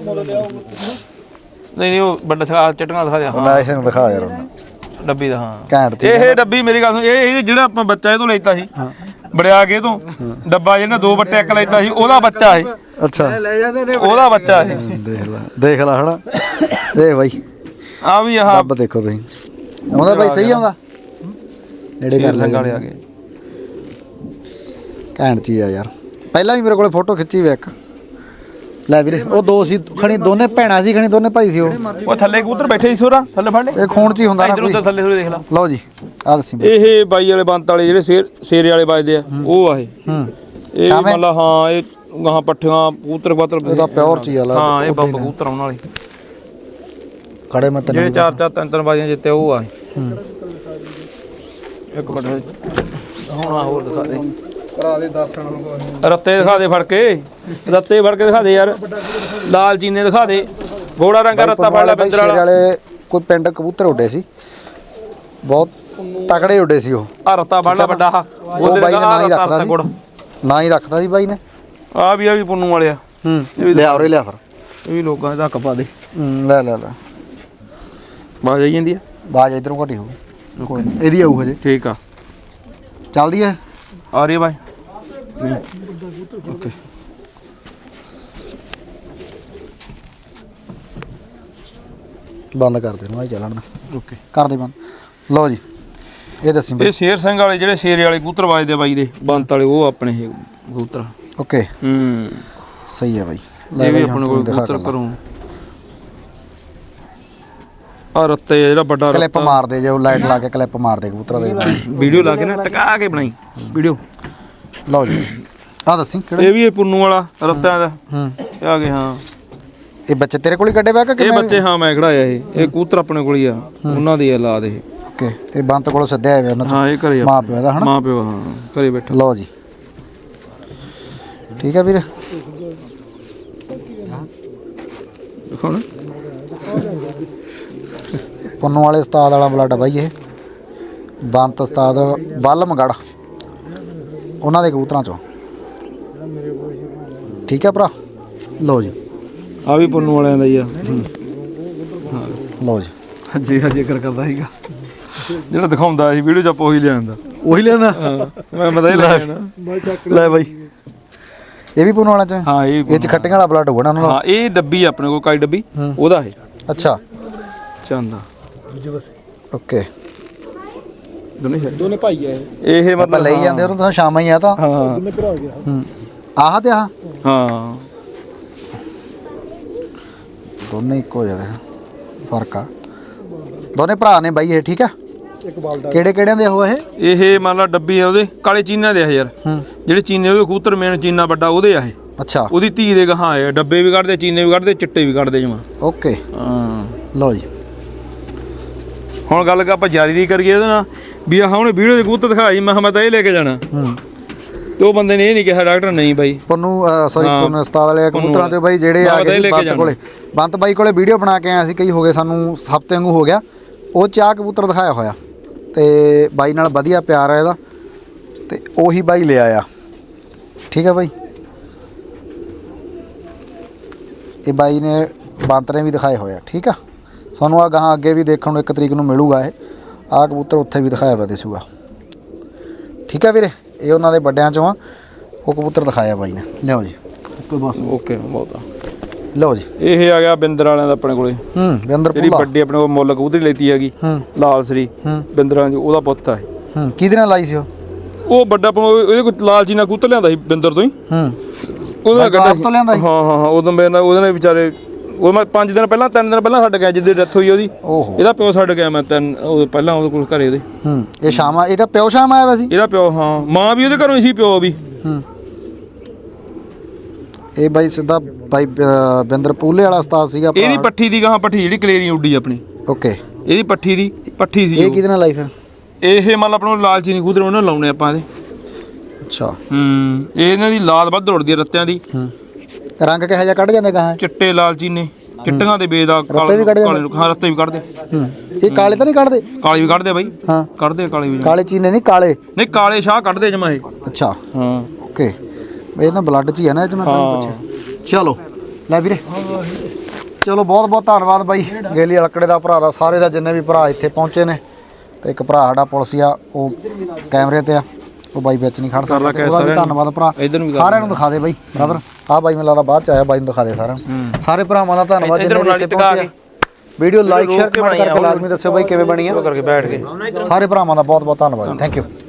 ਨਹੀਂ ਨਹੀਂ ਉਹ ਵੱਡਾ ਛਾ ਚਟਣਾ ਦਿਖਾ ਦੇ ਮੈਂ ਇਸੇ ਨੂੰ ਦਿਖਾ ਯਾਰ ਡੱਬੀ ਦਾ ਹਾਂ ਘੈਂਟ ਇਹ ਡੱਬੀ ਮੇਰੀ ਗੱਲ ਸੁਣ ਇਹ ਇਹ ਜਿਹੜਾ ਆਪਾਂ ਬੱਚਾ ਇਹ ਤੋਂ ਲੈਤਾ ਸੀ ਬੜਿਆ ਕੇ ਤੋਂ ਡੱਬਾ ਜਿਹਨੇ ਦੋ ਬੱਟੇ ਇੱਕ ਲੈਤਾ ਸੀ ਉਹਦਾ ਬੱਚਾ ਇਹ ਅੱਛਾ ਲੈ ਜਾਂਦੇ ਨੇ ਉਹਦਾ ਬੱਚਾ ਇਹ ਦੇਖ ਲੈ ਦੇਖ ਲੈ ਹਣਾ ਦੇਖ ਬਾਈ ਆ ਵੀ ਆਹ ਡੱਬ ਦੇਖੋ ਤੁਸੀਂ ਆਉਂਦਾ ਬਾਈ ਸਹੀ ਆਉਂਦਾ ਨੇੜੇ ਕਰ ਲੈ ਵਾਲੇ ਆ ਗਏ ਘੈਂਟ ਚੀਜ਼ ਆ ਯਾਰ ਪਹਿਲਾਂ ਵੀ ਮੇਰੇ ਕੋਲੇ ਫੋਟੋ ਖਿੱਚੀ ਵੇ ਇੱਕ ਲੈ ਵੀਰੇ ਉਹ ਦੋ ਸੀ ਖਣੀ ਦੋਨੇ ਭੈਣਾਂ ਸੀ ਖਣੀ ਦੋਨੇ ਭਾਈ ਸੀ ਉਹ ਉਹ ਥੱਲੇ ਕਬੂਤਰ ਬੈਠੇ ਸੀ ਸੋਰਾ ਥੱਲੇ ਫੜ ਲੈ ਇਹ ਖੂਨ ਚ ਹੀ ਹੁੰਦਾ ਨਾ ਇਧਰ ਉੱਧਰ ਥੱਲੇ ਥੋੜੇ ਦੇਖ ਲਾ ਲਓ ਜੀ ਆ ਦੱਸੀ ਬਈ। ਇਹ ਬਾਈ ਵਾਲੇ ਬੰਤ ਵਾਲੇ ਜਿਹੜੇ ਸ਼ੇਰ ਸ਼ੇਰੇ ਵਾਲੇ ਵੱਜਦੇ ਆ ਉਹ ਆ ਇਹ ਹੂੰ ਇਹ ਮਤਲਬ ਹਾਂ ਇਹ ਗਾਹਾਂ ਪੱਠੀਆਂ ਕਬੂਤਰ ਕਬੂਤਰ ਇਹਦਾ ਪਿਓਰ ਚ ਹੀ ਆ ਲਾ ਹਾਂ ਇਹ ਬੰਬ ਕਬੂਤਰ ਆਉਣ ਵਾਲੇ ਖੜੇ ਮੈਂ ਤੈਨੂੰ ਜਿਹੜੇ ਚਾਰ ਚਾਰ ਤਿੰਨ ਤਿੰਨ ਬਾਜੀਆਂ ਜਿੱਤੇ ਉਹ ਆ ਹੂੰ ਇੱਕ ਮਿੰਟ ਹੁਣ ਆ ਹੋਰ ਦਿਖਾ ਦੇ ਕਰਾ ਦੇ ਦੱਸਣ ਨੂੰ ਰੱਤੇ ਦਿਖਾ ਦੇ ਫੜ ਕੇ ਰੱਤੇ ਫੜ ਕੇ ਦਿਖਾ ਦੇ ਯਾਰ ਲਾਲ ਚੀਨੇ ਦਿਖਾ ਦੇ ਗੋੜਾ ਰੰਗਾ ਰੱਤਾ ਫੜ ਲੈ ਬਿੰਦਰ ਵਾਲਾ ਵਾਲੇ ਕੋਈ ਪਿੰਡ ਕਬੂਤਰ ਉੱਡੇ ਸੀ ਬਹੁਤ ਤਕੜੇ ਉੱਡੇ ਸੀ ਉਹ ਆ ਰੱਤਾ ਫੜ ਲੈ ਵੱਡਾ ਆ ਉਹ ਬਾਈ ਨੇ ਨਾ ਹੀ ਰੱਖਦਾ ਸੀ ਨਾ ਹੀ ਰੱਖਦਾ ਸੀ ਬਾਈ ਨੇ ਆ ਵੀ ਆ ਵੀ ਪੁੰਨੂ ਵਾਲਿਆ ਹੂੰ ਲਿਆ ਉਰੇ ਲਿਆ ਫਿਰ ਇਹ ਵੀ ਲੋਕਾਂ ਦਾ ਹੱਕ ਪਾ ਦੇ ਹੂੰ ਲੈ ਲੈ ਲੈ ਬਾਜ ਆਈ ਜਾਂਦੀ ਆ ਬਾਜ ਇਧਰੋਂ ਘਟੀ ਹੋਊ ਕੋਈ ਨਹੀਂ ਇਹਦੀ ਆਊ ਹਜੇ ਠੀਕ ਆ ਚੱਲਦੀ ਹੈ ਆ ਰਹੀ ਬਾਈ ਓਕੇ ਬੰਦ ਕਰ ਦੇ ਨੂੰ ਆ ਚੱਲਣ ਦਾ ਓਕੇ ਕਰ ਦੇ ਬੰਦ ਲਓ ਜੀ ਇਹ ਦੱਸੀ ਇਹ ਸ਼ੇਰ ਸਿੰਘ ਵਾਲੇ ਜਿਹੜੇ ਸ਼ੇਰੇ ਵਾਲੇ ਕਬੂਤਰ ਵੱਜਦੇ ਬਾਈ ਦੇ ਬੰਤ ਵਾਲੇ ਉਹ ਆਪਣੇ ਇਹ ਕਬੂਤਰ ਓਕੇ ਹੂੰ ਸਹੀ ਹੈ ਬਾਈ ਇਹ ਵੀ ਆਪਣੇ ਕੋਲ ਕਬੂਤਰ ਕਰੂੰ ਆ ਰੱਤੇ ਜਿਹੜਾ ਵੱਡਾ ਕਲਿੱਪ ਮਾਰਦੇ ਜੇ ਲਾਈਟ ਲਾ ਕੇ ਕਲਿੱਪ ਮਾਰਦੇ ਕਬੂਤਰਾਂ ਦੇ ਵੀਡੀਓ ਲਾ ਕੇ ਨਾ ਟਕਾ ਕੇ ਬਣਾਈ ਵੀਡੀਓ ਲਓ ਜੀ ਆ ਦੱਸੀ ਕਿਹੜੇ ਇਹ ਵੀ ਇਹ ਪੁੰਨੂ ਵਾਲਾ ਰੱਤਿਆਂ ਦਾ ਹੂੰ ਇਹ ਆ ਗਏ ਹਾਂ ਇਹ ਬੱਚੇ ਤੇਰੇ ਕੋਲ ਹੀ ਕੱਢੇ ਪਿਆ ਕਿ ਇਹ ਬੱਚੇ ਹਾਂ ਮੈਂ ਖੜਾਇਆ ਇਹ ਇਹ ਕਬੂਤਰ ਆਪਣੇ ਕੋਲ ਹੀ ਆ ਉਹਨਾਂ ਦੀ ਔਲਾਦ ਇਹ ਓਕੇ ਇਹ ਬੰਤ ਕੋਲੋਂ ਸੱਦਿਆ ਹੋਇਆ ਉਹਨਾਂ ਹਾਂ ਇਹ ਘਰੇ ਆ ਮਾਂ ਪਿਓ ਦਾ ਹਨਾ ਮਾਂ ਪਿਓ ਹਾਂ ਘਰੇ ਬੈਠਾ ਲਓ ਜੀ ਠੀਕ ਹੈ ਵੀਰ ਦੇਖੋ ਨਾ ਪੁੰਨੂ ਵਾਲੇ ਉਸਤਾਦ ਵਾਲਾ ਬਲੱਡ ਬਾਈ ਇਹ ਬੰਤ ਉਸਤਾਦ ਬਲਮਗੜ ਉਹਨਾਂ ਦੇ ਕਬੂਤਰਾਂ ਚੋਂ ਠੀਕ ਹੈ ਭਰਾ ਲਓ ਜੀ ਆ ਵੀ ਪੁੰਨੂ ਵਾਲਿਆਂ ਦਾ ਹੀ ਆ ਲਓ ਜੀ ਹਾਂਜੀ ਹਾਂ ਜ਼ਿਕਰ ਕਰਦਾ ਸੀਗਾ ਜਿਹੜਾ ਦਿਖਾਉਂਦਾ ਸੀ ਵੀਡੀਓ ਚ ਆਪਾਂ ਉਹੀ ਲਿਆਂਦਾ ਉਹੀ ਲੈਣਾ ਮੈਂ ਮਦਾ ਹੀ ਲੈ ਜਾਣਾ ਲੈ ਬਾਈ ਇਹ ਵੀ ਪੁੰਨੂ ਵਾਲਾ ਚ ਹਾਂ ਇਹ ਇਹ ਚ ਖੱਟੀਆਂ ਵਾਲਾ ਬਲੱਡ ਹੋਣਾ ਉਹਨਾਂ ਦਾ ਹਾਂ ਇਹ ਡੱਬੀ ਆਪਣੇ ਕੋਲ ਕਾਈ ਡੱਬੀ ਉਹਦਾ ਹੈ ਅੱਛਾ ਚੰਦਾ ਓਕੇ ਦੋਨੇ ਦੋਨੇ ਭਾਈ ਆ ਇਹ ਇਹ ਆਪਾਂ ਮਤਲਬ ਲਈ ਜਾਂਦੇ ਉਹਨੂੰ ਤਾਂ ਸ਼ਾਮਾਂ ਹੀ ਆ ਤਾਂ ਹਾਂ ਦੋਨੇ ਭਰਾ ਗਿਆ ਹੂੰ ਆਹ ਤੇ ਆਹ ਹਾਂ ਦੋਨੇ ਇੱਕੋ ਜਿਹੇ ਆ ਫਰਕ ਆ ਦੋਨੇ ਭਰਾ ਨੇ ਬਾਈ ਇਹ ਠੀਕ ਆ ਇੱਕ ਬਾਲਦਾ ਕਿਹੜੇ ਕਿਹੜਿਆਂ ਦੇ ਉਹ ਇਹ ਇਹ ਮੰਨ ਲਾ ਡੱਬੀ ਆ ਉਹਦੇ ਕਾਲੇ ਚੀਨਿਆਂ ਦੇ ਆ ਯਾਰ ਹੂੰ ਜਿਹੜੇ ਚੀਨੇ ਉਹਦੇ ਕਬੂਤਰ ਮੇਨ ਚੀਨਾ ਵੱਡਾ ਉਹਦੇ ਆ ਇਹ ਅੱਛਾ ਉਹਦੀ ਧੀ ਦੇ ਗਾਹਾਂ ਆ ਡੱਬੇ ਵੀ ਕੱਢਦੇ ਚੀਨੇ ਵੀ ਕੱਢਦੇ ਚਿੱਟੇ ਵੀ ਕੱਢਦੇ ਜਮਾ ਓਕੇ ਹਾਂ ਲਓ ਜੀ ਹੁਣ ਗੱਲ ਆਪਾਂ ਜਾਰੀ ਦੀ ਕਰੀਏ ਇਹਦੇ ਨਾਲ ਵੀ ਆਹ ਉਹਨੇ ਵੀਡੀਓ ਦੇ ਕਬੂਤਰ ਦਿਖਾਈ ਮੈਂ ਕਿਹਾ ਮੈਂ ਤਾਂ ਇਹ ਲੈ ਕੇ ਜਾਣਾ ਹੂੰ ਤੇ ਉਹ ਬੰਦੇ ਨੇ ਇਹ ਨਹੀਂ ਕਿਹਾ ਡਾਕਟਰ ਨਹੀਂ ਬਾਈ ਪੁੰਨੂ ਸੌਰੀ ਪੁੰਨੂ ਉਸਤਾਦ ਵਾਲੇ ਕਬੂਤਰਾਂ ਤੇ ਬਾਈ ਜਿਹੜੇ ਆ ਗਏ ਬੰਤ ਕੋਲੇ ਬੰਤ ਬਾਈ ਕੋਲੇ ਵੀਡੀਓ ਬਣਾ ਕੇ ਆਇਆ ਸੀ ਕਈ ਹੋ ਗਏ ਸਾਨੂੰ ਹਫ਼ਤੇ ਵਾਂਗੂ ਹੋ ਗਿਆ ਉਹ ਚਾਹ ਕਬੂਤਰ ਦਿਖਾਇਆ ਹੋਇਆ ਤੇ ਬਾਈ ਨਾਲ ਵਧੀਆ ਪਿਆਰ ਆ ਇਹਦਾ ਤੇ ਉਹੀ ਬਾਈ ਲਿਆ ਆ ਠੀਕ ਹੈ ਬਾਈ ਇਹ ਬਾਈ ਨੇ ਬੰਤ ਨੇ ਵੀ ਦਿਖਾਏ ਹੋਇਆ ਠੀਕ ਆ ਸਾਨੂੰ ਆ ਗਾਹਾਂ ਅੱਗੇ ਵੀ ਦੇਖਣ ਨੂੰ ਇੱਕ ਤਰੀਕ ਨੂੰ ਮਿਲੂਗਾ ਇਹ ਆਹ ਕਬੂਤਰ ਉੱਥੇ ਵੀ ਦਿਖਾਇਆ ਵਾ ਦਿਸੂਗਾ ਠੀਕ ਆ ਵੀਰੇ ਇਹ ਉਹਨਾਂ ਦੇ ਵੱਡਿਆਂ ਚੋਂ ਆ ਉਹ ਕਬੂਤਰ ਦਿਖਾਇਆ ਬਾਈ ਨੇ ਲਿਓ ਜੀ ਓਕੇ ਬਸ ਓਕੇ ਬਹੁਤ ਆ ਲਓ ਜੀ ਇਹ ਆ ਗਿਆ ਬਿੰਦਰ ਵਾਲਿਆਂ ਦਾ ਆਪਣੇ ਕੋਲੇ ਹੂੰ ਬਿੰਦਰ ਜਿਹੜੀ ਪੁੱਲਾ ਵੱਡੀ ਆਪਣੇ ਕੋਲ ਮੁੱਲ ਕਬੂਤਰੀ ਲੈਤੀ ਹੈਗੀ ਹੂੰ ਲਾਲ ਸਰੀ ਹੂੰ ਬਿੰਦਰਾਂ ਦੀ ਉਹਦਾ ਪੁੱਤ ਆ ਇਹ ਹੂੰ ਕਿਹਦੇ ਨਾਲ ਲਾਈ ਸੀ ਉਹ ਉਹ ਵੱਡਾ ਆਪਾਂ ਇਹਦੇ ਕੋਈ ਲਾਲ ਜੀ ਨਾਲ ਕਬੂਤਰ ਲਿਆਂਦਾ ਸੀ ਬਿੰਦਰ ਤੋਂ ਹੀ ਹੂੰ ਉਹਦਾ ਗੱਡਾ ਤੋਂ ਲਿਆਂਦਾ ਸੀ ਹਾਂ ਹਾਂ ਹਾਂ ਉਦੋਂ ਮੇਰੇ ਨਾਲ ਉਹਦੇ ਨਾਲ ਵਿਚਾਰੇ ਉਹ ਮੈਂ ਪੰਜ ਦਿਨ ਪਹਿਲਾਂ ਤਿੰਨ ਦਿਨ ਪਹਿਲਾਂ ਛੱਡ ਗਿਆ ਜਿੱਦੇ ਡੈਥ ਹੋਈ ਉਹਦੀ ਓਹੋ ਇਹਦਾ ਪਿਓ ਛੱਡ ਗਿਆ ਮੈਂ ਤਿੰਨ ਉਹ ਪਹਿਲਾਂ ਉਹਦੇ ਕੋਲ ਘਰੇ ਉਹਦੇ ਹੂੰ ਇਹ ਸ਼ਾਮਾ ਇਹਦਾ ਪਿਓ ਸ਼ਾਮ ਆਇਆ ਵਾ ਸੀ ਇਹਦਾ ਪਿਓ ਹਾਂ ਮਾਂ ਵੀ ਉਹਦੇ ਘਰੋਂ ਹੀ ਸੀ ਪਿਓ ਵੀ ਹੂੰ ਇਹ ਬਾਈ ਸਿੱਧਾ ਬਾਈ ਅ, ਬਿੰਦਰ ਪੂਲੇ ਵਾਲਾ ਉਸਤਾਦ ਸੀਗਾ ਇਹਦੀ ਪੱਠੀ ਦੀ ਗਾਹਾਂ ਪੱਠੀ ਜਿਹੜੀ ਕਲੇਰੀ ਉੱਡੀ ਆਪਣੀ ਓਕੇ ਇਹਦੀ ਪੱਠੀ ਦੀ ਪੱਠੀ ਸੀ ਇਹ ਉਹ। ਕਿਹਦੇ ਨਾਲ ਲਾਈ ਫਿਰ ਇਹ ਮੰਨ ਲਾ ਆਪਣਾ ਲਾਲ ਚੀਨੀ ਕਬੂਤਰ ਉਹਨਾਂ ਲਾਉਣੇ ਆਪਾਂ ਇਹਦੇ ਅੱਛਾ ਹੂੰ ਇਹ ਇਹਨਾਂ ਦੀ ਲਾਲ ਵੱਧ ਉੜਦੀ ਹੈ ਰੱਤਿਆਂ ਦੀ ਹੂੰ ਰੰਗ ਕਿਹੋ ਜਿਹਾ ਕੱਢ ਜਾਂਦੇ ਗਾਹਾਂ ਚਿੱਟੇ ਲਾਲ ਚੀਨੇ ਚਿੱਟੀਆਂ ਦੇ ਬੇਦਾ ਰੱਤੇ ਵੀ ਕੱਢ ਜਾਂਦੇ? ਹਾਂ ਰੱਤੇ ਵੀ ਕੱਢਦੇ ਹੂੰ ਇਹ ਕਾਲੇ ਤਾਂ ਨਹੀਂ ਕੱਢਦੇ ਕਾਲੀ ਵੀ ਕੱਢਦੇ ਬਾਈ ਹਾਂ ਕੱਢਦੇ ਕਾਲੀ ਵੀ ਕਾਲੇ ਚੀਨੇ ਨਹੀਂ ਕਾਲੇ ਨਹੀਂ ਕਾਲੇ ਸ਼ਾਹ ਕੱਢਦੇ ਜਮਾ ਇਹ ਅੱਛਾ ਹਾਂ ਓਕੇ ਇਹ ਨਾ ਬਲੱਡ 'ਚ ਹੀ ਹੈ ਨਾ ਇਹ 'ਚ ਮੈਂ ਤਾਂ ਹੀ ਪੁੱਛਿਆ ਚਲੋ ਲੈ ਵੀਰੇ ਚਲੋ ਬਹੁਤ ਬਹੁਤ ਧੰਨਵਾਦ ਬਾਈ ਗੇਲੀ ਅਲਕੜੇ ਦਾ ਭਰਾ ਦਾ ਸਾਰੇ ਦਾ ਜਿੰਨੇ ਵੀ ਭਰਾ ਇੱਥੇ ਪਹੁੰਚੇ ਨੇ ਤੇ ਇੱਕ ਭਰਾ ਸਾਡਾ ਪੁਲਿਸ ਆ ਉਹ ਕੈਮਰੇ ਤੇ ਆ ਉਹ ਬਾਈ ਵਿੱਚ ਨਹੀਂ ਖੜ ਸਕਦਾ ਉਹਦਾ ਵੀ ਧੰਨਵਾਦ ਭਰਾ ਸਾਰਿਆਂ ਨੂੰ ਦਿਖਾ ਦੇ ਬਾਈ ਬ੍ਰਦਰ ਆਹ ਬਾਈ ਮੈਨੂੰ ਲੱਗਦਾ ਬਾਅਦ ਚ ਆਇਆ ਬਾਈ ਨੂੰ ਦਿਖਾ ਦੇ ਸਾਰਿਆਂ ਨੂੰ ਸਾਰੇ ਭਰਾਵਾਂ ਦਾ ਧੰਨਵਾਦ ਜਿੰਨੇ ਵੀ ਇੱਥੇ ਪਹੁੰਚੇ ਵੀਡੀਓ ਲਾਈਕ ਸ਼ੇਅਰ ਕਮੈਂਟ ਕਰਕੇ ਲਾਜ਼ਮੀ ਦੱਸਿਓ ਬਾਈ ਕਿਵੇਂ ਬਣੀ ਆ ਕਰਕੇ ਬੈਠ ਕੇ ਸਾਰੇ ਭਰਾਵਾਂ ਦਾ ਬਹੁਤ ਬਹੁਤ ਧੰਨਵਾਦ ਥੈਂਕ ਯੂ